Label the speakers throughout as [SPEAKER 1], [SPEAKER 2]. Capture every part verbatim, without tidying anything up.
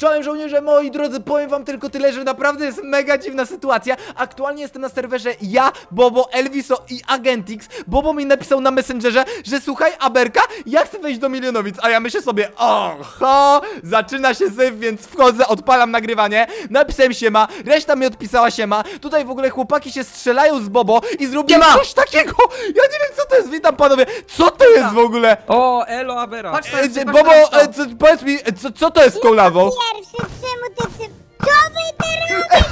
[SPEAKER 1] Czołem żołnierze, moi drodzy, powiem wam tylko tyle, że naprawdę jest mega dziwna sytuacja. Aktualnie jestem na serwerze ja, Bobo, Elviso i Agentix. Bobo mi napisał na Messengerze, że słuchaj, Aberka, ja chcę wejść do Milionowic, a ja myślę sobie, oho, zaczyna się syf, więc wchodzę, odpalam nagrywanie. Napisałem siema, reszta mi odpisała siema. Tutaj w ogóle chłopaki się strzelają z Bobo i zrobiłem
[SPEAKER 2] Siema!
[SPEAKER 1] coś takiego. Ja nie wiem, co to jest, witam panowie. Co to jest w ogóle?
[SPEAKER 3] O, elo, Abera.
[SPEAKER 2] Patrz,
[SPEAKER 1] E,
[SPEAKER 2] patrz, patrz,
[SPEAKER 1] Bobo,
[SPEAKER 2] patrz,
[SPEAKER 1] e, co, powiedz mi, e, co, co to jest z tą lawą?
[SPEAKER 4] Pierwszy, czemu ty przy... Co wy ty robisz?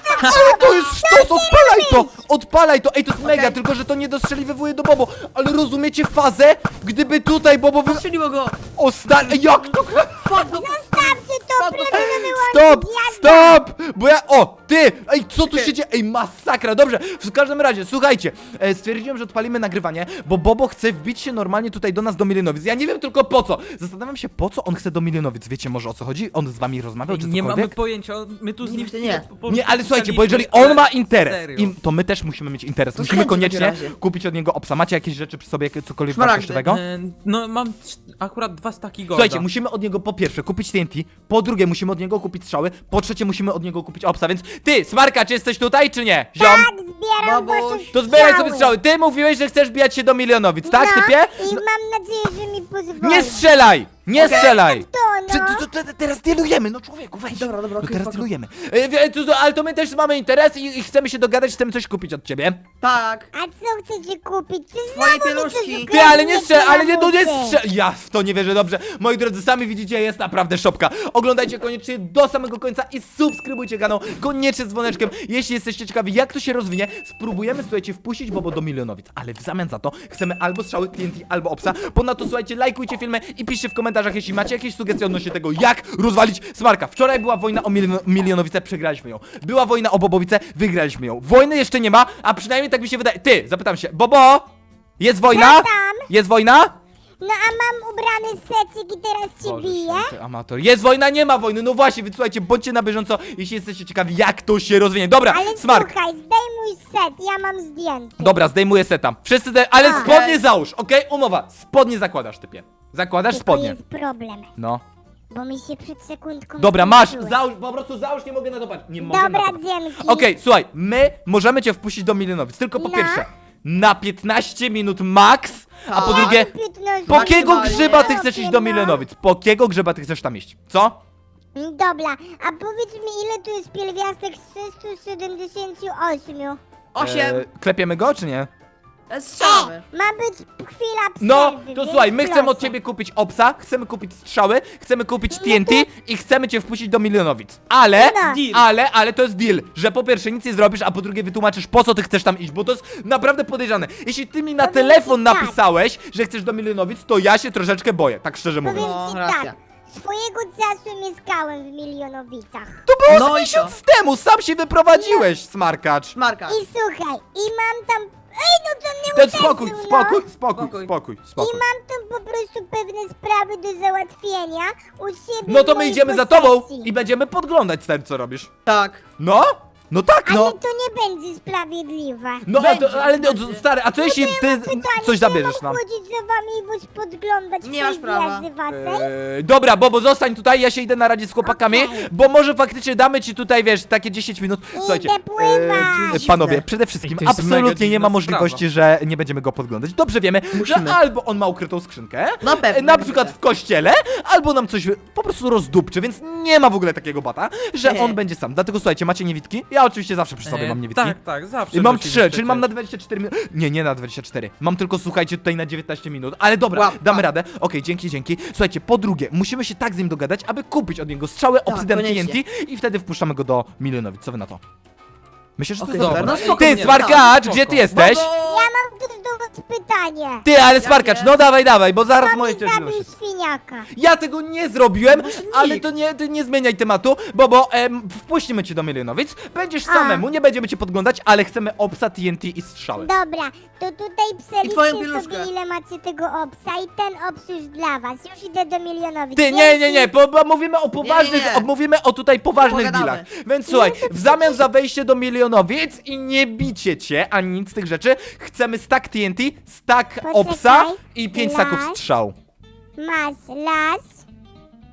[SPEAKER 1] Co to jest sztos? Odpalaj to! Odpalaj to! Ej, to jest mega,
[SPEAKER 2] Okej.
[SPEAKER 1] tylko że to nie dostrzeliwuje do Bobo. Ale rozumiecie fazę? Gdyby tutaj Bobo wy...
[SPEAKER 2] Strzeliło go!
[SPEAKER 1] O, star... Ej, jak to...
[SPEAKER 2] Spadł!
[SPEAKER 4] Zostawcie to,
[SPEAKER 2] Spadł!
[SPEAKER 4] proszę wyłączyć.
[SPEAKER 1] Stop!
[SPEAKER 4] Jazda.
[SPEAKER 1] Stop! Bo ja... O, ty! Ej, co tu się dzieje? Ej, masakra, dobrze. W każdym razie, słuchajcie. E, stwierdziłem, że odpalimy nagrywanie, bo Bobo chce wbić się normalnie tutaj do nas do Milionowic. Ja nie wiem tylko po co. Zastanawiam się, po co on chce do Milionowic. Wiecie może o co chodzi? On z wami rozmawiał, czy
[SPEAKER 3] Nie mamy
[SPEAKER 1] cokolwiek?
[SPEAKER 3] pojęcia, my tu z nim...
[SPEAKER 2] Nigdy nie.
[SPEAKER 3] po- po-
[SPEAKER 1] Nie, ale słuchajcie, bo
[SPEAKER 3] pisaliśmy,
[SPEAKER 1] jeżeli on ma
[SPEAKER 3] ale
[SPEAKER 1] interes,
[SPEAKER 3] serio.
[SPEAKER 1] i to my też musimy mieć interes.
[SPEAKER 2] To
[SPEAKER 1] Musimy
[SPEAKER 2] chęć w
[SPEAKER 1] koniecznie
[SPEAKER 2] takim razie.
[SPEAKER 1] kupić od niego obsa. Macie jakieś rzeczy przy sobie, cokolwiek
[SPEAKER 2] Szmaragdy.
[SPEAKER 1] wartościowego?
[SPEAKER 3] E, No, mam trz- akurat dwa staki golda.
[SPEAKER 1] Słuchajcie, musimy od niego po pierwsze kupić T N T, po drugie musimy od niego kupić strzały, po trzecie musimy od niego kupić obsa, więc ty, Smarka, czy jesteś tutaj, czy nie? Ziom?
[SPEAKER 4] Tak, zbieram
[SPEAKER 2] Babuś.
[SPEAKER 4] wasze
[SPEAKER 1] To zbieraj sobie
[SPEAKER 4] strzały.
[SPEAKER 1] strzały. Ty mówiłeś, że chcesz bijać się do Milionowic, tak,
[SPEAKER 4] No,
[SPEAKER 1] typie?
[SPEAKER 4] i mam nadzieję, że mi pozwoli.
[SPEAKER 1] Nie strzelaj! Nie
[SPEAKER 2] Okej.
[SPEAKER 1] strzelaj!
[SPEAKER 4] To no.
[SPEAKER 1] Czy, to, to, to, teraz dealujemy, no człowieku, weź.
[SPEAKER 2] Dobra, dobra,
[SPEAKER 1] no
[SPEAKER 2] okej,
[SPEAKER 1] teraz
[SPEAKER 2] spoko.
[SPEAKER 1] dealujemy. E, wie- to, to, ale to my też mamy interes i, i chcemy się dogadać, chcemy coś kupić od ciebie.
[SPEAKER 2] Tak!
[SPEAKER 4] A co chcecie kupić? Czy
[SPEAKER 2] Twoje
[SPEAKER 4] znowu mi
[SPEAKER 2] pieluszki.
[SPEAKER 4] coś
[SPEAKER 1] Ty, ale nie
[SPEAKER 4] ukradniecie,
[SPEAKER 1] strzel, ale nie, no nie
[SPEAKER 4] lamusy?
[SPEAKER 1] strzel. Ja w to nie wierzę, dobrze. Moi drodzy, sami widzicie, jest naprawdę szopka. Oglądajcie koniecznie do samego końca i subskrybujcie kanał, koniecznie z dzwoneczkiem. Jeśli jesteście ciekawi, jak to się rozwinie, spróbujemy, słuchajcie, wpuścić Bobo do Milionowic. Ale w zamian za to chcemy albo strzały T N T, albo obsa. Ponadto, słuchajcie, lajkujcie filmy i piszcie w komentarzach, jeśli macie jakieś sugestie odnośnie tego, jak rozwalić Smarka. Wczoraj była wojna o Milio Milionowice, przegraliśmy ją. Była wojna o Bobowice, wygraliśmy ją. Wojny jeszcze nie ma, a przynajmniej tak mi się wydaje. Ty, zapytam się, Bobo, jest wojna?
[SPEAKER 4] Co tam?
[SPEAKER 1] Jest wojna?
[SPEAKER 4] No a mam ubrany secik i teraz cię
[SPEAKER 1] Boże
[SPEAKER 4] biję?
[SPEAKER 1] święty, amator. Jest wojna, nie ma wojny. No właśnie, więc słuchajcie, bądźcie na bieżąco, jeśli jesteście ciekawi, jak to się rozwinie. Dobra,
[SPEAKER 4] Ale
[SPEAKER 1] Smark.
[SPEAKER 4] słuchaj, zdejmuj set, ja mam zdjęty.
[SPEAKER 1] Dobra, zdejmuję seta. Wszyscy, te... ale
[SPEAKER 4] A.
[SPEAKER 1] spodnie załóż, okej? Umowa. Spodnie zakładasz, typie. Zakładasz
[SPEAKER 4] Tylko
[SPEAKER 1] spodnie.
[SPEAKER 4] jest problem,
[SPEAKER 1] No.
[SPEAKER 4] bo mi się przed sekundką
[SPEAKER 1] Dobra, masz,
[SPEAKER 4] skończyły.
[SPEAKER 1] załóż, po prostu załóż, nie mogę na to patrzeć. Nie mogę na
[SPEAKER 4] Dobra,
[SPEAKER 1] to patrzeć.
[SPEAKER 4] dzięki.
[SPEAKER 1] Okej, słuchaj, my możemy cię wpuścić do Milionowic, tylko po
[SPEAKER 4] No.
[SPEAKER 1] pierwsze, na piętnaście minut max, a po
[SPEAKER 2] Tak.
[SPEAKER 1] drugie,
[SPEAKER 4] piętnaście
[SPEAKER 1] po kiego
[SPEAKER 2] Maksymalnie.
[SPEAKER 1] grzyba ty chcesz iść do
[SPEAKER 4] No.
[SPEAKER 1] Milionowic? Po kiego grzyba ty chcesz tam iść? Co?
[SPEAKER 4] Dobra, a powiedz mi, ile tu jest pierwiastek z trzystu siedemdziesięciu ośmiu?
[SPEAKER 2] Osiem!
[SPEAKER 1] E, klepiemy go, czy nie?
[SPEAKER 2] E, Strzelamy!
[SPEAKER 4] Ma być chwila przerwy,
[SPEAKER 1] No, to
[SPEAKER 4] więc
[SPEAKER 1] słuchaj, my chcemy od
[SPEAKER 4] proszę.
[SPEAKER 1] ciebie kupić obsa, chcemy kupić strzały, chcemy kupić T N T
[SPEAKER 4] No
[SPEAKER 1] i chcemy cię wpuścić do Milionowic. Ale,
[SPEAKER 4] No.
[SPEAKER 2] Deal.
[SPEAKER 1] ale, ale to jest deal, że po pierwsze nic nie zrobisz, a po drugie wytłumaczysz, po co ty chcesz tam iść, bo to jest naprawdę podejrzane. Jeśli ty mi na
[SPEAKER 4] Powiem
[SPEAKER 1] telefon
[SPEAKER 4] ci tak.
[SPEAKER 1] napisałeś, że chcesz do Milionowic, to ja się troszeczkę boję, tak szczerze
[SPEAKER 4] Powiem
[SPEAKER 1] mówiąc.
[SPEAKER 2] No,
[SPEAKER 4] ci
[SPEAKER 2] racja.
[SPEAKER 4] tak, swojego czasu mieszkałem w Milionowicach.
[SPEAKER 1] To było
[SPEAKER 2] No
[SPEAKER 1] z
[SPEAKER 2] i
[SPEAKER 1] miesiąc temu, sam się wyprowadziłeś, smarkacz.
[SPEAKER 2] Szmarka!
[SPEAKER 4] I słuchaj, i mam tam... Ej, no to nie
[SPEAKER 1] Ten
[SPEAKER 4] uderzył,
[SPEAKER 1] spokój,
[SPEAKER 4] no.
[SPEAKER 1] spokój, spokój,
[SPEAKER 2] Spokój.
[SPEAKER 1] spokój,
[SPEAKER 4] I
[SPEAKER 1] spokój.
[SPEAKER 4] mam tam po prostu pewne sprawy do załatwienia u siebie
[SPEAKER 1] No to
[SPEAKER 4] w
[SPEAKER 1] my
[SPEAKER 4] mojej
[SPEAKER 1] idziemy za tobą
[SPEAKER 4] posesji.
[SPEAKER 1] i będziemy podglądać stary, co robisz.
[SPEAKER 2] Tak!
[SPEAKER 1] No? No tak, no.
[SPEAKER 4] Ale to nie będzie sprawiedliwe.
[SPEAKER 1] No, a
[SPEAKER 2] Będzie,
[SPEAKER 1] to, ale no,
[SPEAKER 2] będzie.
[SPEAKER 1] stary, a co jeśli ty
[SPEAKER 4] Pytanie,
[SPEAKER 1] coś
[SPEAKER 4] czy
[SPEAKER 1] zabierzesz
[SPEAKER 4] ja
[SPEAKER 1] nam?
[SPEAKER 4] mam chodzić za wami i was podglądać
[SPEAKER 2] Nie
[SPEAKER 4] w
[SPEAKER 2] masz
[SPEAKER 4] tej
[SPEAKER 2] prawa.
[SPEAKER 4] wieży waszej?
[SPEAKER 1] Eee, dobra, Bobo, zostań tutaj, ja się idę na radzie z chłopakami,
[SPEAKER 4] Okej.
[SPEAKER 1] bo może faktycznie damy ci tutaj, wiesz, takie dziesięć minut. Słuchajcie,
[SPEAKER 4] pływać.
[SPEAKER 1] eee, panowie, przede wszystkim
[SPEAKER 3] Ej, to jest mega
[SPEAKER 1] absolutnie nie ma
[SPEAKER 3] dziwna
[SPEAKER 1] możliwości, że nie będziemy go podglądać. Dobrze wiemy,
[SPEAKER 2] Musimy.
[SPEAKER 1] że albo on ma ukrytą skrzynkę,
[SPEAKER 2] No pewnie,
[SPEAKER 1] e, na przykład
[SPEAKER 2] pewnie.
[SPEAKER 1] w kościele, albo nam coś po prostu rozdupczy, więc nie ma w ogóle takiego bata, że
[SPEAKER 2] Nie.
[SPEAKER 1] on będzie sam. Dlatego słuchajcie, macie niewidki? Ja oczywiście zawsze przy sobie
[SPEAKER 3] E,
[SPEAKER 1] mam niewidki.
[SPEAKER 3] Tak, tak, zawsze.
[SPEAKER 1] I mam
[SPEAKER 3] nosimy
[SPEAKER 1] trzy,
[SPEAKER 3] przecież.
[SPEAKER 1] czyli mam na dwadzieścia cztery minut. Nie, nie na dwadzieścia cztery. Mam tylko, słuchajcie, tutaj na dziewiętnaście minut. Ale dobra,
[SPEAKER 2] Łap,
[SPEAKER 1] damy
[SPEAKER 2] łap.
[SPEAKER 1] radę. Okej, dzięki, dzięki. Słuchajcie, po drugie, musimy się tak z nim dogadać, aby kupić od niego strzały Obsidian T N
[SPEAKER 2] koniecznie.
[SPEAKER 1] T i wtedy wpuszczamy go do Milionowic. Co wy na to? Myślę, że to
[SPEAKER 2] Okej,
[SPEAKER 1] jest
[SPEAKER 2] dobra,
[SPEAKER 1] dobre.
[SPEAKER 2] no spoko,
[SPEAKER 1] Ty,
[SPEAKER 2] nie,
[SPEAKER 1] Smarkacz,
[SPEAKER 3] no,
[SPEAKER 1] gdzie ty
[SPEAKER 3] spoko.
[SPEAKER 1] jesteś?
[SPEAKER 2] Bobo!
[SPEAKER 4] Ja mam tu do was pytanie.
[SPEAKER 1] Ty, ale
[SPEAKER 2] Jakie?
[SPEAKER 1] Smarkacz, no dawaj, dawaj, bo zaraz
[SPEAKER 4] Kto
[SPEAKER 1] moje
[SPEAKER 4] mi
[SPEAKER 1] cierpliwości.
[SPEAKER 4] zabił świniaka?
[SPEAKER 1] Ja tego nie zrobiłem,
[SPEAKER 2] Może
[SPEAKER 1] ale
[SPEAKER 2] nikt.
[SPEAKER 1] to nie, ty nie zmieniaj tematu, bo bo em, wpuścimy cię do Milionowic, będziesz
[SPEAKER 4] A.
[SPEAKER 1] samemu, nie będziemy cię podglądać, ale chcemy obsa, T N T i strzały.
[SPEAKER 4] Dobra, to tutaj
[SPEAKER 2] I twoją
[SPEAKER 4] przeliczcie
[SPEAKER 2] pieluszkę.
[SPEAKER 4] sobie ile macie tego obsa i ten obs już dla was. Już idę do Milionowic.
[SPEAKER 1] Ty, nie, nie, nie, bo, bo mówimy o poważnych,
[SPEAKER 2] Nie, nie, nie.
[SPEAKER 1] o, mówimy o tutaj poważnych
[SPEAKER 2] Pogadamy.
[SPEAKER 1] dealach. Więc słuchaj, w zamian za wejście do Milionowic i nie bicie cię, ani nic z tych rzeczy, chcemy stack T N T, stack
[SPEAKER 4] Poczekaj.
[SPEAKER 1] obsa i pięć
[SPEAKER 4] Las.
[SPEAKER 1] staków strzał.
[SPEAKER 4] Masz las,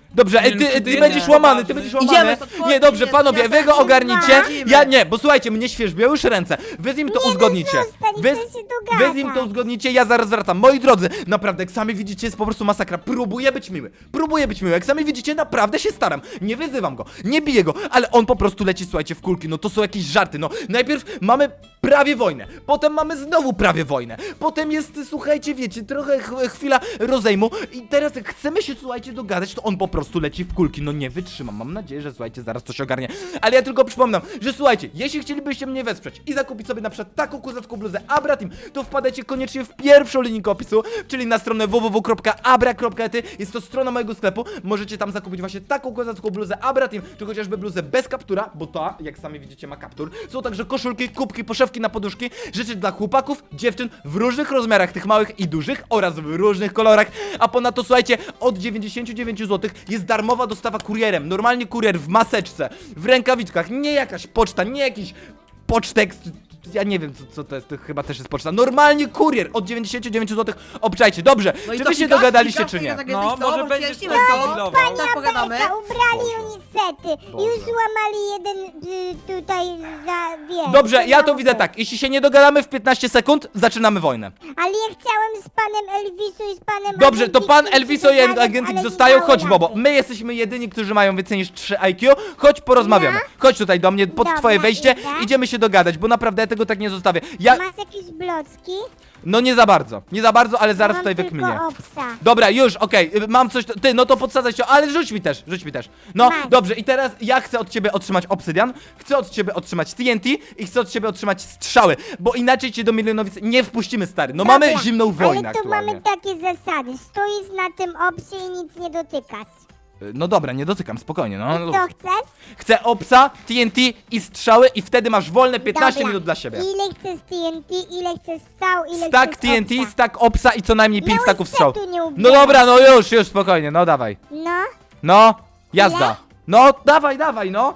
[SPEAKER 1] Dobrze, ej,
[SPEAKER 3] Nie,
[SPEAKER 1] ty,
[SPEAKER 3] no,
[SPEAKER 1] ty,
[SPEAKER 3] ty
[SPEAKER 1] będziesz
[SPEAKER 3] nie,
[SPEAKER 1] łamany, ty
[SPEAKER 3] ważny.
[SPEAKER 1] będziesz łamany.
[SPEAKER 2] Idziemy stąd,
[SPEAKER 1] Nie, dobrze,
[SPEAKER 2] chodź,
[SPEAKER 1] panowie,
[SPEAKER 2] ja
[SPEAKER 1] wy go
[SPEAKER 2] tak
[SPEAKER 1] ogarnijcie.
[SPEAKER 2] idziemy.
[SPEAKER 1] Ja nie, bo słuchajcie, mnie świerzbią już ręce. Wy z nim to
[SPEAKER 4] Nie, no
[SPEAKER 1] uzgodnicie.
[SPEAKER 4] zostań,
[SPEAKER 1] Wy,
[SPEAKER 4] chcę się
[SPEAKER 1] wy z nim to
[SPEAKER 4] dogadać.
[SPEAKER 1] uzgodnicie, ja zaraz wracam. Moi drodzy, naprawdę, jak sami widzicie, jest po prostu masakra. Próbuję być miły. Próbuję być miły. Jak sami widzicie, naprawdę się staram. Nie wyzywam go, nie biję go, ale on po prostu leci, słuchajcie, w kulki. No to są jakieś żarty. No, najpierw mamy prawie wojnę, potem mamy znowu prawie wojnę, potem jest, słuchajcie, wiecie, trochę ch chwila rozejmu i teraz jak chcemy się, słuchajcie, dogadać, to on po prostu leci w kulki. No nie wytrzymam. Mam nadzieję, że słuchajcie, zaraz to się ogarnie. Ale ja tylko przypominam, że słuchajcie, jeśli chcielibyście mnie wesprzeć i zakupić sobie na przykład taką kozacką bluzę Abra Team, to wpadajcie koniecznie w pierwszą linijkę opisu, czyli na stronę w w w kropka abra kropka e t. Jest to strona mojego sklepu. Możecie tam zakupić właśnie taką kozacką bluzę Abra Team, czy chociażby bluzę bez kaptura, bo ta, jak sami widzicie, ma kaptur. Są także koszulki, kubki, poszewki na poduszki, rzeczy dla chłopaków, dziewczyn w różnych rozmiarach, tych małych i dużych oraz w różnych kolorach. A ponadto, słuchajcie, od dziewięćdziesięciu dziewięciu złotych jest darmowa dostawa kurierem. Normalnie kurier w maseczce, w rękawiczkach, nie jakaś poczta, nie jakiś pocztek. Ja nie wiem, co, co to jest, to chyba też jest poczta. Normalnie kurier od dziewięćdziesięciu dziewięciu złotych. Obczajcie, dobrze.
[SPEAKER 2] No i
[SPEAKER 1] czy
[SPEAKER 2] co,
[SPEAKER 1] wy się
[SPEAKER 2] fikasz?
[SPEAKER 1] dogadaliście,
[SPEAKER 2] Fikasz?
[SPEAKER 1] czy nie?
[SPEAKER 2] Tak
[SPEAKER 3] No,
[SPEAKER 2] jesteś,
[SPEAKER 3] może
[SPEAKER 2] co?
[SPEAKER 3] będziesz
[SPEAKER 2] Ciężkie
[SPEAKER 3] tak
[SPEAKER 2] co?
[SPEAKER 3] dealował.
[SPEAKER 2] Tak pogadamy.
[SPEAKER 4] Beka, ubrali
[SPEAKER 1] Boże.
[SPEAKER 4] unisety.
[SPEAKER 1] Boże.
[SPEAKER 4] Już złamali jeden y, tutaj za, wiesz.
[SPEAKER 1] Dobrze, ja to
[SPEAKER 4] za
[SPEAKER 1] widzę
[SPEAKER 4] łupę.
[SPEAKER 1] tak. Jeśli się nie dogadamy w piętnaście sekund, zaczynamy wojnę.
[SPEAKER 4] Ale ja chciałem z panem Elviso i z panem
[SPEAKER 1] Dobrze, to pan
[SPEAKER 4] Agentik
[SPEAKER 1] Elviso i
[SPEAKER 4] się dogadać,
[SPEAKER 1] Agentik
[SPEAKER 4] ale nie
[SPEAKER 1] zostają.
[SPEAKER 4] dało
[SPEAKER 1] Chodź, Bobo.
[SPEAKER 4] rady.
[SPEAKER 1] My jesteśmy jedyni, którzy mają więcej niż trzy I Q. Chodź, porozmawiamy. Chodź tutaj do mnie, pod
[SPEAKER 4] Dobra,
[SPEAKER 1] twoje wejście.
[SPEAKER 4] idę.
[SPEAKER 1] Idziemy się dogadać, bo naprawdę ja tego tak nie zostawię. Ja...
[SPEAKER 4] Masz jakieś blocki?
[SPEAKER 1] No nie za bardzo. Nie za bardzo, ale zaraz
[SPEAKER 4] Mam
[SPEAKER 1] tutaj
[SPEAKER 4] tylko
[SPEAKER 1] wykminię.
[SPEAKER 4] obsa.
[SPEAKER 1] Dobra, już, okej, y, mam coś, ty, no to podsadzaj się, ale rzuć mi też, rzuć mi też. No,
[SPEAKER 4] Masz.
[SPEAKER 1] dobrze, i teraz ja chcę od ciebie otrzymać obsydian, chcę od ciebie otrzymać T N T i chcę od ciebie otrzymać strzały, bo inaczej cię do Milionowic nie wpuścimy, stary. No mamy
[SPEAKER 4] Dobra,
[SPEAKER 1] zimną wojnę
[SPEAKER 4] ale tu
[SPEAKER 1] aktualnie.
[SPEAKER 4] mamy takie zasady. Stoisz na tym obsie i nic nie dotykasz.
[SPEAKER 1] Y, No dobra, nie dotykam, spokojnie, no.
[SPEAKER 4] I co chcesz?
[SPEAKER 1] Chcę obsa, T N T i strzały i wtedy masz wolne piętnaście
[SPEAKER 4] Dobra.
[SPEAKER 1] minut dla siebie.
[SPEAKER 4] Ile chcesz T N T, ile chcesz strzał, ile
[SPEAKER 1] Stack
[SPEAKER 4] chcesz
[SPEAKER 1] T N T,
[SPEAKER 4] obsa?
[SPEAKER 1] stack obsa i co najmniej pięć
[SPEAKER 4] Miałeś
[SPEAKER 1] stacków strzał.
[SPEAKER 4] setu nie
[SPEAKER 1] No
[SPEAKER 4] ubierać.
[SPEAKER 1] dobra, no już, już, spokojnie, no dawaj.
[SPEAKER 4] No,
[SPEAKER 1] No, jazda.
[SPEAKER 4] Ile?
[SPEAKER 1] No, dawaj, dawaj, no.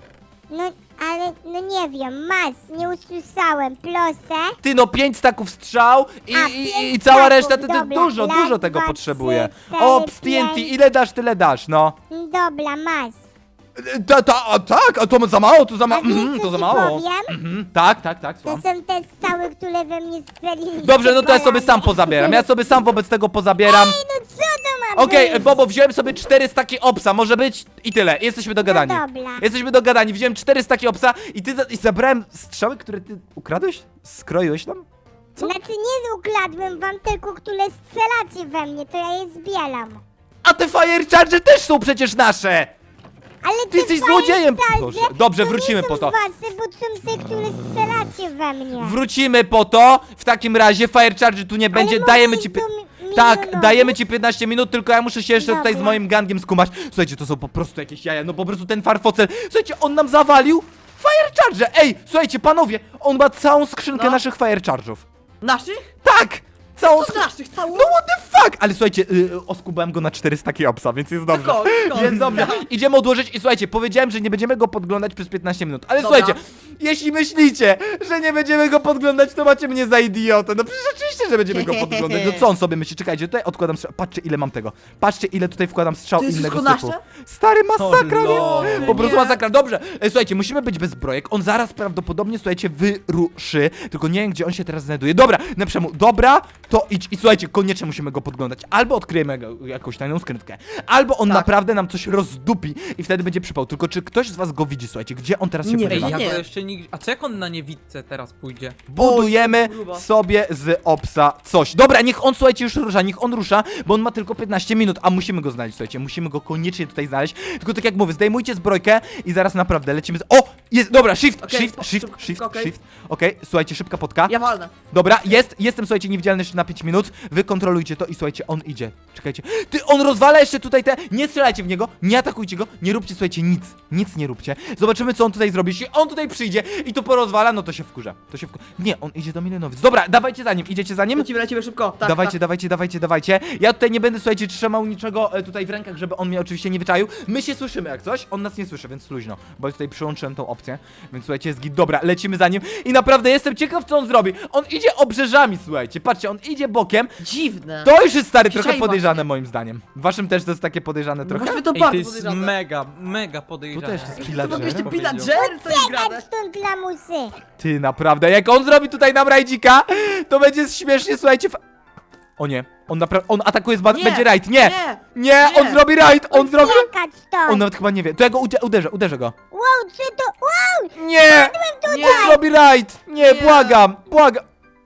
[SPEAKER 4] no, ale no nie wiem, masz, nie usłyszałem, proszę.
[SPEAKER 1] Ty no pięć staków strzał i,
[SPEAKER 4] A,
[SPEAKER 1] i,
[SPEAKER 4] pięć
[SPEAKER 1] i cała
[SPEAKER 4] staków,
[SPEAKER 1] reszta, ty, ty
[SPEAKER 4] dobra.
[SPEAKER 1] dużo,
[SPEAKER 4] Raz,
[SPEAKER 1] dużo tego
[SPEAKER 4] dwa,
[SPEAKER 1] potrzebuje.
[SPEAKER 4] trzy, cztery,
[SPEAKER 1] Ops, T N T,
[SPEAKER 4] pięć.
[SPEAKER 1] ile dasz, tyle dasz, no.
[SPEAKER 4] Dobra, masz.
[SPEAKER 1] Ta, ta, a tak, a to za mało, to za
[SPEAKER 4] A
[SPEAKER 1] mało,
[SPEAKER 4] wiesz,
[SPEAKER 1] mhm,
[SPEAKER 4] co
[SPEAKER 1] to za
[SPEAKER 4] ci
[SPEAKER 1] mało.
[SPEAKER 4] powiem?
[SPEAKER 1] Mhm, tak, tak, tak,
[SPEAKER 4] To
[SPEAKER 1] słucham.
[SPEAKER 4] są te strzały, które we mnie strzelili.
[SPEAKER 1] Dobrze, no to ja sobie sam pozabieram, ja sobie sam wobec tego pozabieram.
[SPEAKER 4] Ej, no co to ma
[SPEAKER 1] Okej,
[SPEAKER 4] być?
[SPEAKER 1] Bobo, wziąłem sobie cztery staki obsa, może być i tyle, jesteśmy dogadani.
[SPEAKER 4] No dobra.
[SPEAKER 1] Jesteśmy dogadani, wziąłem cztery staki obsa i ty za, i zabrałem strzały, które ty ukradłeś? Skroiłeś tam? Co?
[SPEAKER 4] Znaczy nie ukradłem wam tylko, które strzelacie we mnie, to ja je zbieram.
[SPEAKER 1] A te fire charge też są przecież nasze!
[SPEAKER 4] Ale
[SPEAKER 1] Ty jesteś złodziejem! Dobrze,
[SPEAKER 4] Dobrze,
[SPEAKER 1] dobrze, wrócimy po to.
[SPEAKER 4] Wasze, bo są te, które strzelacie we mnie.
[SPEAKER 1] Wrócimy po to, w takim razie fire charge tu nie będzie,
[SPEAKER 4] mogę
[SPEAKER 1] dajemy
[SPEAKER 4] iść
[SPEAKER 1] ci...
[SPEAKER 4] do
[SPEAKER 1] pi-
[SPEAKER 4] mi-
[SPEAKER 1] Tak,
[SPEAKER 4] milionowych?
[SPEAKER 1] dajemy ci piętnaście minut, tylko ja muszę się jeszcze tutaj z
[SPEAKER 4] Dobra.
[SPEAKER 1] moim gangiem skumać. Słuchajcie, to są po prostu jakieś jaja, no po prostu ten farfocel. Słuchajcie, on nam zawalił fire charge! Ej, słuchajcie, panowie, on ma całą skrzynkę
[SPEAKER 2] No.
[SPEAKER 1] naszych fire charge'ów.
[SPEAKER 2] Naszych?
[SPEAKER 1] Tak! Całą
[SPEAKER 2] To
[SPEAKER 1] skrzynkę.
[SPEAKER 2] naszych, całą?
[SPEAKER 1] No what the fuck! Ale słuchajcie, yy, oskubałem go na cztery staki obsa, więc jest dobrze.
[SPEAKER 2] Skąd, skąd?
[SPEAKER 1] Jest dobrze. Idziemy odłożyć i słuchajcie, powiedziałem, że nie będziemy go podglądać przez piętnaście minut. Ale
[SPEAKER 2] Dobra.
[SPEAKER 1] słuchajcie, jeśli myślicie, że nie będziemy go podglądać, to macie mnie za idiotę. No przecież oczywiście, że będziemy go podglądać. No co on sobie myśli? Czekajcie, tutaj odkładam strzał. Patrzcie, ile mam tego. Patrzcie, ile tutaj wkładam strzał
[SPEAKER 2] To jest
[SPEAKER 1] innego
[SPEAKER 2] wszystko
[SPEAKER 1] typu.
[SPEAKER 2] nasze?
[SPEAKER 1] Stary masakra,
[SPEAKER 3] O, lol.
[SPEAKER 1] nie? Po prostu
[SPEAKER 2] Nie.
[SPEAKER 1] masakra. Dobrze, e, słuchajcie, musimy być bezbrojek. On zaraz prawdopodobnie, słuchajcie, wyruszy. Tylko nie wiem, gdzie on się teraz znajduje. Dobra, Neprzemu, dobra, to idź. I słuchajcie, koniecznie musimy go podglądać. Albo odkryjemy go- jakąś tajną skrytkę, albo on
[SPEAKER 2] Tak.
[SPEAKER 1] naprawdę nam coś rozdupi i wtedy będzie przypał. Tylko czy ktoś z was go widzi, słuchajcie, gdzie on teraz się
[SPEAKER 2] Nie
[SPEAKER 3] Ej,
[SPEAKER 1] podziewa?
[SPEAKER 3] ja
[SPEAKER 2] Nie.
[SPEAKER 3] go jeszcze nigdy... A co jak on na niewidce teraz pójdzie?
[SPEAKER 1] Budujemy
[SPEAKER 2] O, grubo.
[SPEAKER 1] sobie z obsa coś. Dobra, niech on, słuchajcie, już rusza, niech on rusza, bo on ma tylko piętnaście minut, a musimy go znaleźć, słuchajcie, musimy go koniecznie tutaj znaleźć. Tylko tak jak mówię, zdejmujcie zbrojkę i zaraz naprawdę lecimy z... O! Jest, dobra, shift,
[SPEAKER 2] Okej,
[SPEAKER 1] shift,
[SPEAKER 2] spo-
[SPEAKER 1] shift,
[SPEAKER 2] szybko,
[SPEAKER 1] shift,
[SPEAKER 2] okej.
[SPEAKER 1] shift. Okej, słuchajcie, szybka potka.
[SPEAKER 2] Ja walnę.
[SPEAKER 1] Dobra, jest, jestem, słuchajcie, niewidzialny jeszcze na pięć minut. Wy kontrolujcie to i słuchajcie, on idzie. Czekajcie. Ty, on rozwala jeszcze tutaj te... Nie strzelajcie w niego, nie atakujcie go, nie róbcie, słuchajcie, nic. Nic nie róbcie. Zobaczymy, co on tutaj zrobi. Jeśli on tutaj przyjdzie i to porozwala, no to się wkurza. To się wkurza. Nie, on idzie do Milionowic. Dobra, dawajcie za nim, idziecie za nim?
[SPEAKER 2] Lecimy, lecimy szybko. Tak,
[SPEAKER 1] dawajcie,
[SPEAKER 2] tak.
[SPEAKER 1] dawajcie, dawajcie, dawajcie. Ja tutaj nie będę, słuchajcie, trzymał niczego e, tutaj w rękach, żeby on mnie oczywiście nie wyczaił. My się słyszymy jak coś, on nas nie słyszy, więc luźno. Bo ja tutaj przyłączyłem tą opcję, więc słuchajcie, jest git. Dobra, lecimy za nim i naprawdę jestem ciekaw, co on zrobi. On idzie obrzeżami, słuchajcie, patrzcie, on idzie bokiem,
[SPEAKER 2] Dziwne.
[SPEAKER 1] to już jest stary trochę
[SPEAKER 2] Dzisiaj
[SPEAKER 1] podejrzane
[SPEAKER 2] właśnie.
[SPEAKER 1] moim zdaniem. Waszym też to jest takie podejrzane
[SPEAKER 2] No
[SPEAKER 1] trochę?
[SPEAKER 2] właściwie to
[SPEAKER 3] Ej, to
[SPEAKER 2] bardzo
[SPEAKER 3] jest
[SPEAKER 2] podejrzane.
[SPEAKER 3] mega, mega podejrzane.
[SPEAKER 1] Tu też jest
[SPEAKER 2] To
[SPEAKER 1] pillager.
[SPEAKER 2] w ogóle jeszcze
[SPEAKER 3] Powiedział.
[SPEAKER 2] pillager to jest grane.
[SPEAKER 4] Uciekać stąd, lamusy!
[SPEAKER 1] Ty, naprawdę, jak on zrobi tutaj nam rajdzika, to będzie śmiesznie, słuchajcie. Fa o nie, on naprawdę, on atakuje z ba-
[SPEAKER 2] Nie,
[SPEAKER 1] będzie rajd, nie,
[SPEAKER 2] nie,
[SPEAKER 1] nie,
[SPEAKER 2] nie.
[SPEAKER 1] on zrobi rajd, on zrobi...
[SPEAKER 4] Uciekać stąd!
[SPEAKER 1] On nawet chyba nie wie, to ja go ude uderzę, uderzę go.
[SPEAKER 4] Wow, czy to... Wow!
[SPEAKER 1] Nie,
[SPEAKER 2] Nie.
[SPEAKER 1] on zrobi rajd, nie,
[SPEAKER 2] Nie.
[SPEAKER 1] błagam, błagam.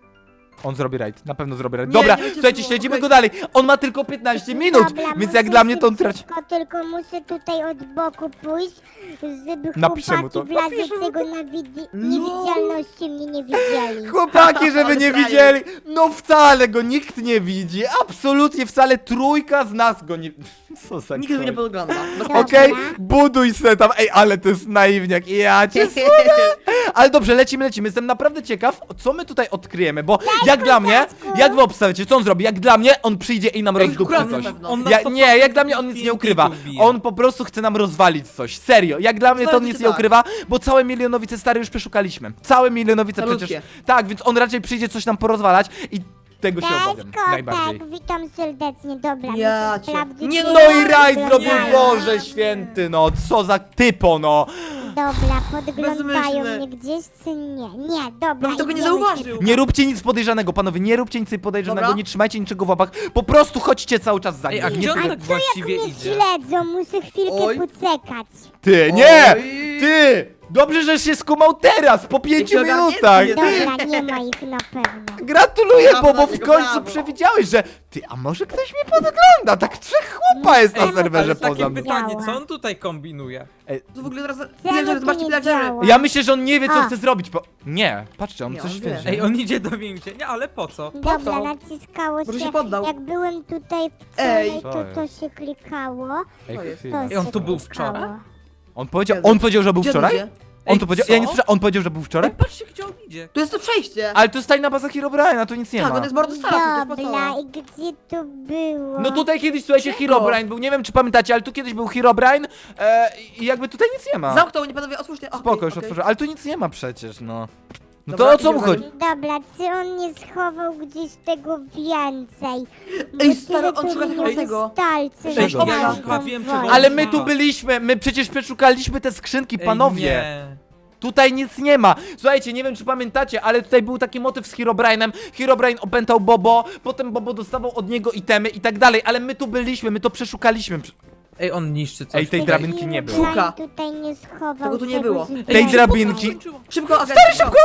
[SPEAKER 1] On zrobi rajd, na pewno zrobi rajd.
[SPEAKER 2] Nie,
[SPEAKER 1] Dobra,
[SPEAKER 2] nie będzie
[SPEAKER 1] słuchajcie,
[SPEAKER 2] było,
[SPEAKER 1] śledzimy
[SPEAKER 2] okej.
[SPEAKER 1] go dalej. On ma tylko piętnaście minut,
[SPEAKER 4] Dobra,
[SPEAKER 1] więc
[SPEAKER 4] muszę
[SPEAKER 1] jak dla mnie to on traci...
[SPEAKER 4] szybciutko, tylko muszę tutaj od boku pójść, żeby
[SPEAKER 1] Napiszę mu
[SPEAKER 4] chłopaki
[SPEAKER 1] to.
[SPEAKER 4] w razie czego na widi- niewidzialności mnie nie widzieli.
[SPEAKER 1] Chłopaki, żeby
[SPEAKER 2] Ale
[SPEAKER 1] nie
[SPEAKER 2] frajer.
[SPEAKER 1] widzieli, no wcale go nikt nie widzi, absolutnie wcale trójka z nas go nie... Co za
[SPEAKER 2] Nikt tego nie
[SPEAKER 1] ktoś.
[SPEAKER 2] podgląda. Bez
[SPEAKER 4] Dobra.
[SPEAKER 1] Okej, buduj se tam, ej, ale to jest naiwniak, ja cię słucham. Ale dobrze, lecimy, lecimy, jestem naprawdę ciekaw, co my tutaj odkryjemy, bo jak dla mnie,
[SPEAKER 4] kurczaczku.
[SPEAKER 1] jak wy obstawiacie, co on zrobi, jak dla mnie, on przyjdzie i nam
[SPEAKER 2] Ej,
[SPEAKER 1] rozdupczy
[SPEAKER 2] kradnie
[SPEAKER 1] coś.
[SPEAKER 2] na pewno.
[SPEAKER 3] On na
[SPEAKER 1] Ja,
[SPEAKER 3] sto
[SPEAKER 1] nie,
[SPEAKER 3] procent
[SPEAKER 1] jak dla mnie on nic nie ukrywa,
[SPEAKER 3] wbije.
[SPEAKER 1] on po prostu chce nam rozwalić coś, serio, jak dla mnie to on
[SPEAKER 2] Zdaje
[SPEAKER 1] nic
[SPEAKER 2] się
[SPEAKER 1] nie
[SPEAKER 2] tak.
[SPEAKER 1] ukrywa, bo całe Milionowice stare już przeszukaliśmy, całe Milionowice
[SPEAKER 2] Malutkie.
[SPEAKER 1] przecież, tak, więc on raczej przyjdzie coś nam porozwalać i tego się
[SPEAKER 4] Cześć
[SPEAKER 1] obawiam, najbardziej.
[SPEAKER 4] kotek, witam serdecznie, dobra,
[SPEAKER 2] Ja
[SPEAKER 4] muszę
[SPEAKER 2] cię-
[SPEAKER 4] sprawdzić...
[SPEAKER 2] Nie,
[SPEAKER 4] czy
[SPEAKER 2] no
[SPEAKER 1] No i
[SPEAKER 4] jest
[SPEAKER 1] rajd zrobił,
[SPEAKER 4] wyglądają.
[SPEAKER 1] Boże święty, no, co za typo, no.
[SPEAKER 4] Dobra, podglądają
[SPEAKER 2] Bezmyślny.
[SPEAKER 4] mnie gdzieś czy nie? Nie, dobra,
[SPEAKER 2] No tego nie
[SPEAKER 4] idziemy
[SPEAKER 2] zauważył.
[SPEAKER 1] Nie róbcie nic podejrzanego, panowie, nie róbcie nic podejrzanego,
[SPEAKER 2] Dobra.
[SPEAKER 1] nie trzymajcie niczego w łapach, po prostu chodźcie cały czas za
[SPEAKER 3] Ej,
[SPEAKER 1] nim.
[SPEAKER 3] a gdzie on
[SPEAKER 4] A
[SPEAKER 3] tak
[SPEAKER 4] co
[SPEAKER 3] właściwie
[SPEAKER 4] jak mnie
[SPEAKER 3] idzie?
[SPEAKER 4] śledzą? Muszę chwilkę
[SPEAKER 2] Oj.
[SPEAKER 4] poczekać.
[SPEAKER 1] Ty, nie!
[SPEAKER 2] Oj.
[SPEAKER 1] Ty! Dobrze, że się skumał teraz, po pięciu
[SPEAKER 2] Jaki ogarnięty
[SPEAKER 1] minutach!
[SPEAKER 2] jest.
[SPEAKER 4] Dobra, nie ma ich na pewno.
[SPEAKER 1] Gratuluję,
[SPEAKER 2] Brawo
[SPEAKER 1] bo, bo
[SPEAKER 2] dla
[SPEAKER 1] w
[SPEAKER 2] niego,
[SPEAKER 1] końcu
[SPEAKER 2] brawo.
[SPEAKER 1] przewidziałeś, że... Ty, a może ktoś mnie podgląda? Tak trzech chłopa jest na
[SPEAKER 4] Ej,
[SPEAKER 1] serwerze
[SPEAKER 3] Ale takie
[SPEAKER 1] poza mną.
[SPEAKER 3] pytanie, co on tutaj kombinuje?
[SPEAKER 2] To w ogóle teraz...
[SPEAKER 4] Czemu
[SPEAKER 2] Pillager,
[SPEAKER 4] to
[SPEAKER 2] zobaczcie
[SPEAKER 4] nie
[SPEAKER 2] pillagery.
[SPEAKER 4] działa?
[SPEAKER 1] Ja myślę, że on nie wie, co
[SPEAKER 4] A.
[SPEAKER 1] chce zrobić, bo... Nie, patrzcie, on
[SPEAKER 2] Nie,
[SPEAKER 1] coś
[SPEAKER 2] on wie.
[SPEAKER 1] wie.
[SPEAKER 3] Ej, on idzie do więzienia, ale po co?
[SPEAKER 4] Dobra,
[SPEAKER 2] co?
[SPEAKER 4] naciskało
[SPEAKER 2] Może
[SPEAKER 4] się,
[SPEAKER 2] się poddał.
[SPEAKER 4] jak byłem tutaj
[SPEAKER 2] Ej.
[SPEAKER 4] wczoraj, to to się klikało.
[SPEAKER 1] Ej,
[SPEAKER 2] To jest-
[SPEAKER 1] chwila.
[SPEAKER 4] To
[SPEAKER 3] Ej, on
[SPEAKER 4] się
[SPEAKER 3] tu był
[SPEAKER 4] klikało.
[SPEAKER 3] wczoraj?
[SPEAKER 1] On powiedział, on powiedział, że był
[SPEAKER 2] Gdzie on
[SPEAKER 1] wczoraj?
[SPEAKER 2] idzie?
[SPEAKER 1] On
[SPEAKER 3] Ej,
[SPEAKER 1] to powiedział,
[SPEAKER 3] co?
[SPEAKER 1] ja nie słyszałem, on powiedział, że był wczoraj?
[SPEAKER 3] Ej, patrzcie, gdzie on idzie.
[SPEAKER 2] Tu jest to przejście.
[SPEAKER 1] Ale to jest tajna baza Herobrine'a, tu nic nie
[SPEAKER 2] Tak,
[SPEAKER 1] ma.
[SPEAKER 2] on jest bardzo stary, to jest
[SPEAKER 4] Dobra,
[SPEAKER 2] pasowne.
[SPEAKER 4] i gdzie to było?
[SPEAKER 1] No tutaj kiedyś, słuchajcie,
[SPEAKER 2] Czego?
[SPEAKER 1] Herobrine był, nie wiem czy pamiętacie, ale tu kiedyś był Herobrine e, i jakby tutaj nic nie ma.
[SPEAKER 2] Zamknął mnie, panowie, otwórzcie. Okej,
[SPEAKER 1] Spoko, już
[SPEAKER 2] okej.
[SPEAKER 1] otworzę, ale tu nic nie ma przecież, no. No
[SPEAKER 2] Dobra,
[SPEAKER 1] to o co mu
[SPEAKER 2] idziemy
[SPEAKER 1] chodzi?
[SPEAKER 2] za
[SPEAKER 4] Dobra, czy on nie schował gdzieś tego więcej? Bo
[SPEAKER 2] Ej,
[SPEAKER 4] tyle
[SPEAKER 2] stary, on
[SPEAKER 4] tu
[SPEAKER 2] szuka
[SPEAKER 4] mnie
[SPEAKER 2] tego tego.
[SPEAKER 4] wystarczy,
[SPEAKER 2] Ej,
[SPEAKER 4] że
[SPEAKER 2] ja
[SPEAKER 4] tam
[SPEAKER 2] już
[SPEAKER 3] chyba wiem, czego on
[SPEAKER 1] Ale my tu
[SPEAKER 3] szuka.
[SPEAKER 1] byliśmy, my przecież przeszukaliśmy te skrzynki,
[SPEAKER 3] Ej,
[SPEAKER 1] panowie.
[SPEAKER 3] nie.
[SPEAKER 1] Tutaj nic nie ma. Słuchajcie, nie wiem czy pamiętacie, ale tutaj był taki motyw z Herobrine'em. Herobrine opętał Bobo, potem Bobo dostawał od niego itemy i tak dalej, ale my tu byliśmy, my to przeszukaliśmy.
[SPEAKER 3] Ej, on niszczy coś.
[SPEAKER 1] Ej, tej
[SPEAKER 3] tutaj.
[SPEAKER 1] drabinki nie było.
[SPEAKER 4] Herobrine
[SPEAKER 2] Szuka.
[SPEAKER 4] tutaj nie schował
[SPEAKER 2] Tego tu nie
[SPEAKER 4] czegoś
[SPEAKER 2] było.
[SPEAKER 4] więcej.
[SPEAKER 1] Tej drabinki.
[SPEAKER 3] Skończyło.
[SPEAKER 2] Szybko, Aga,
[SPEAKER 1] Stary, szybko!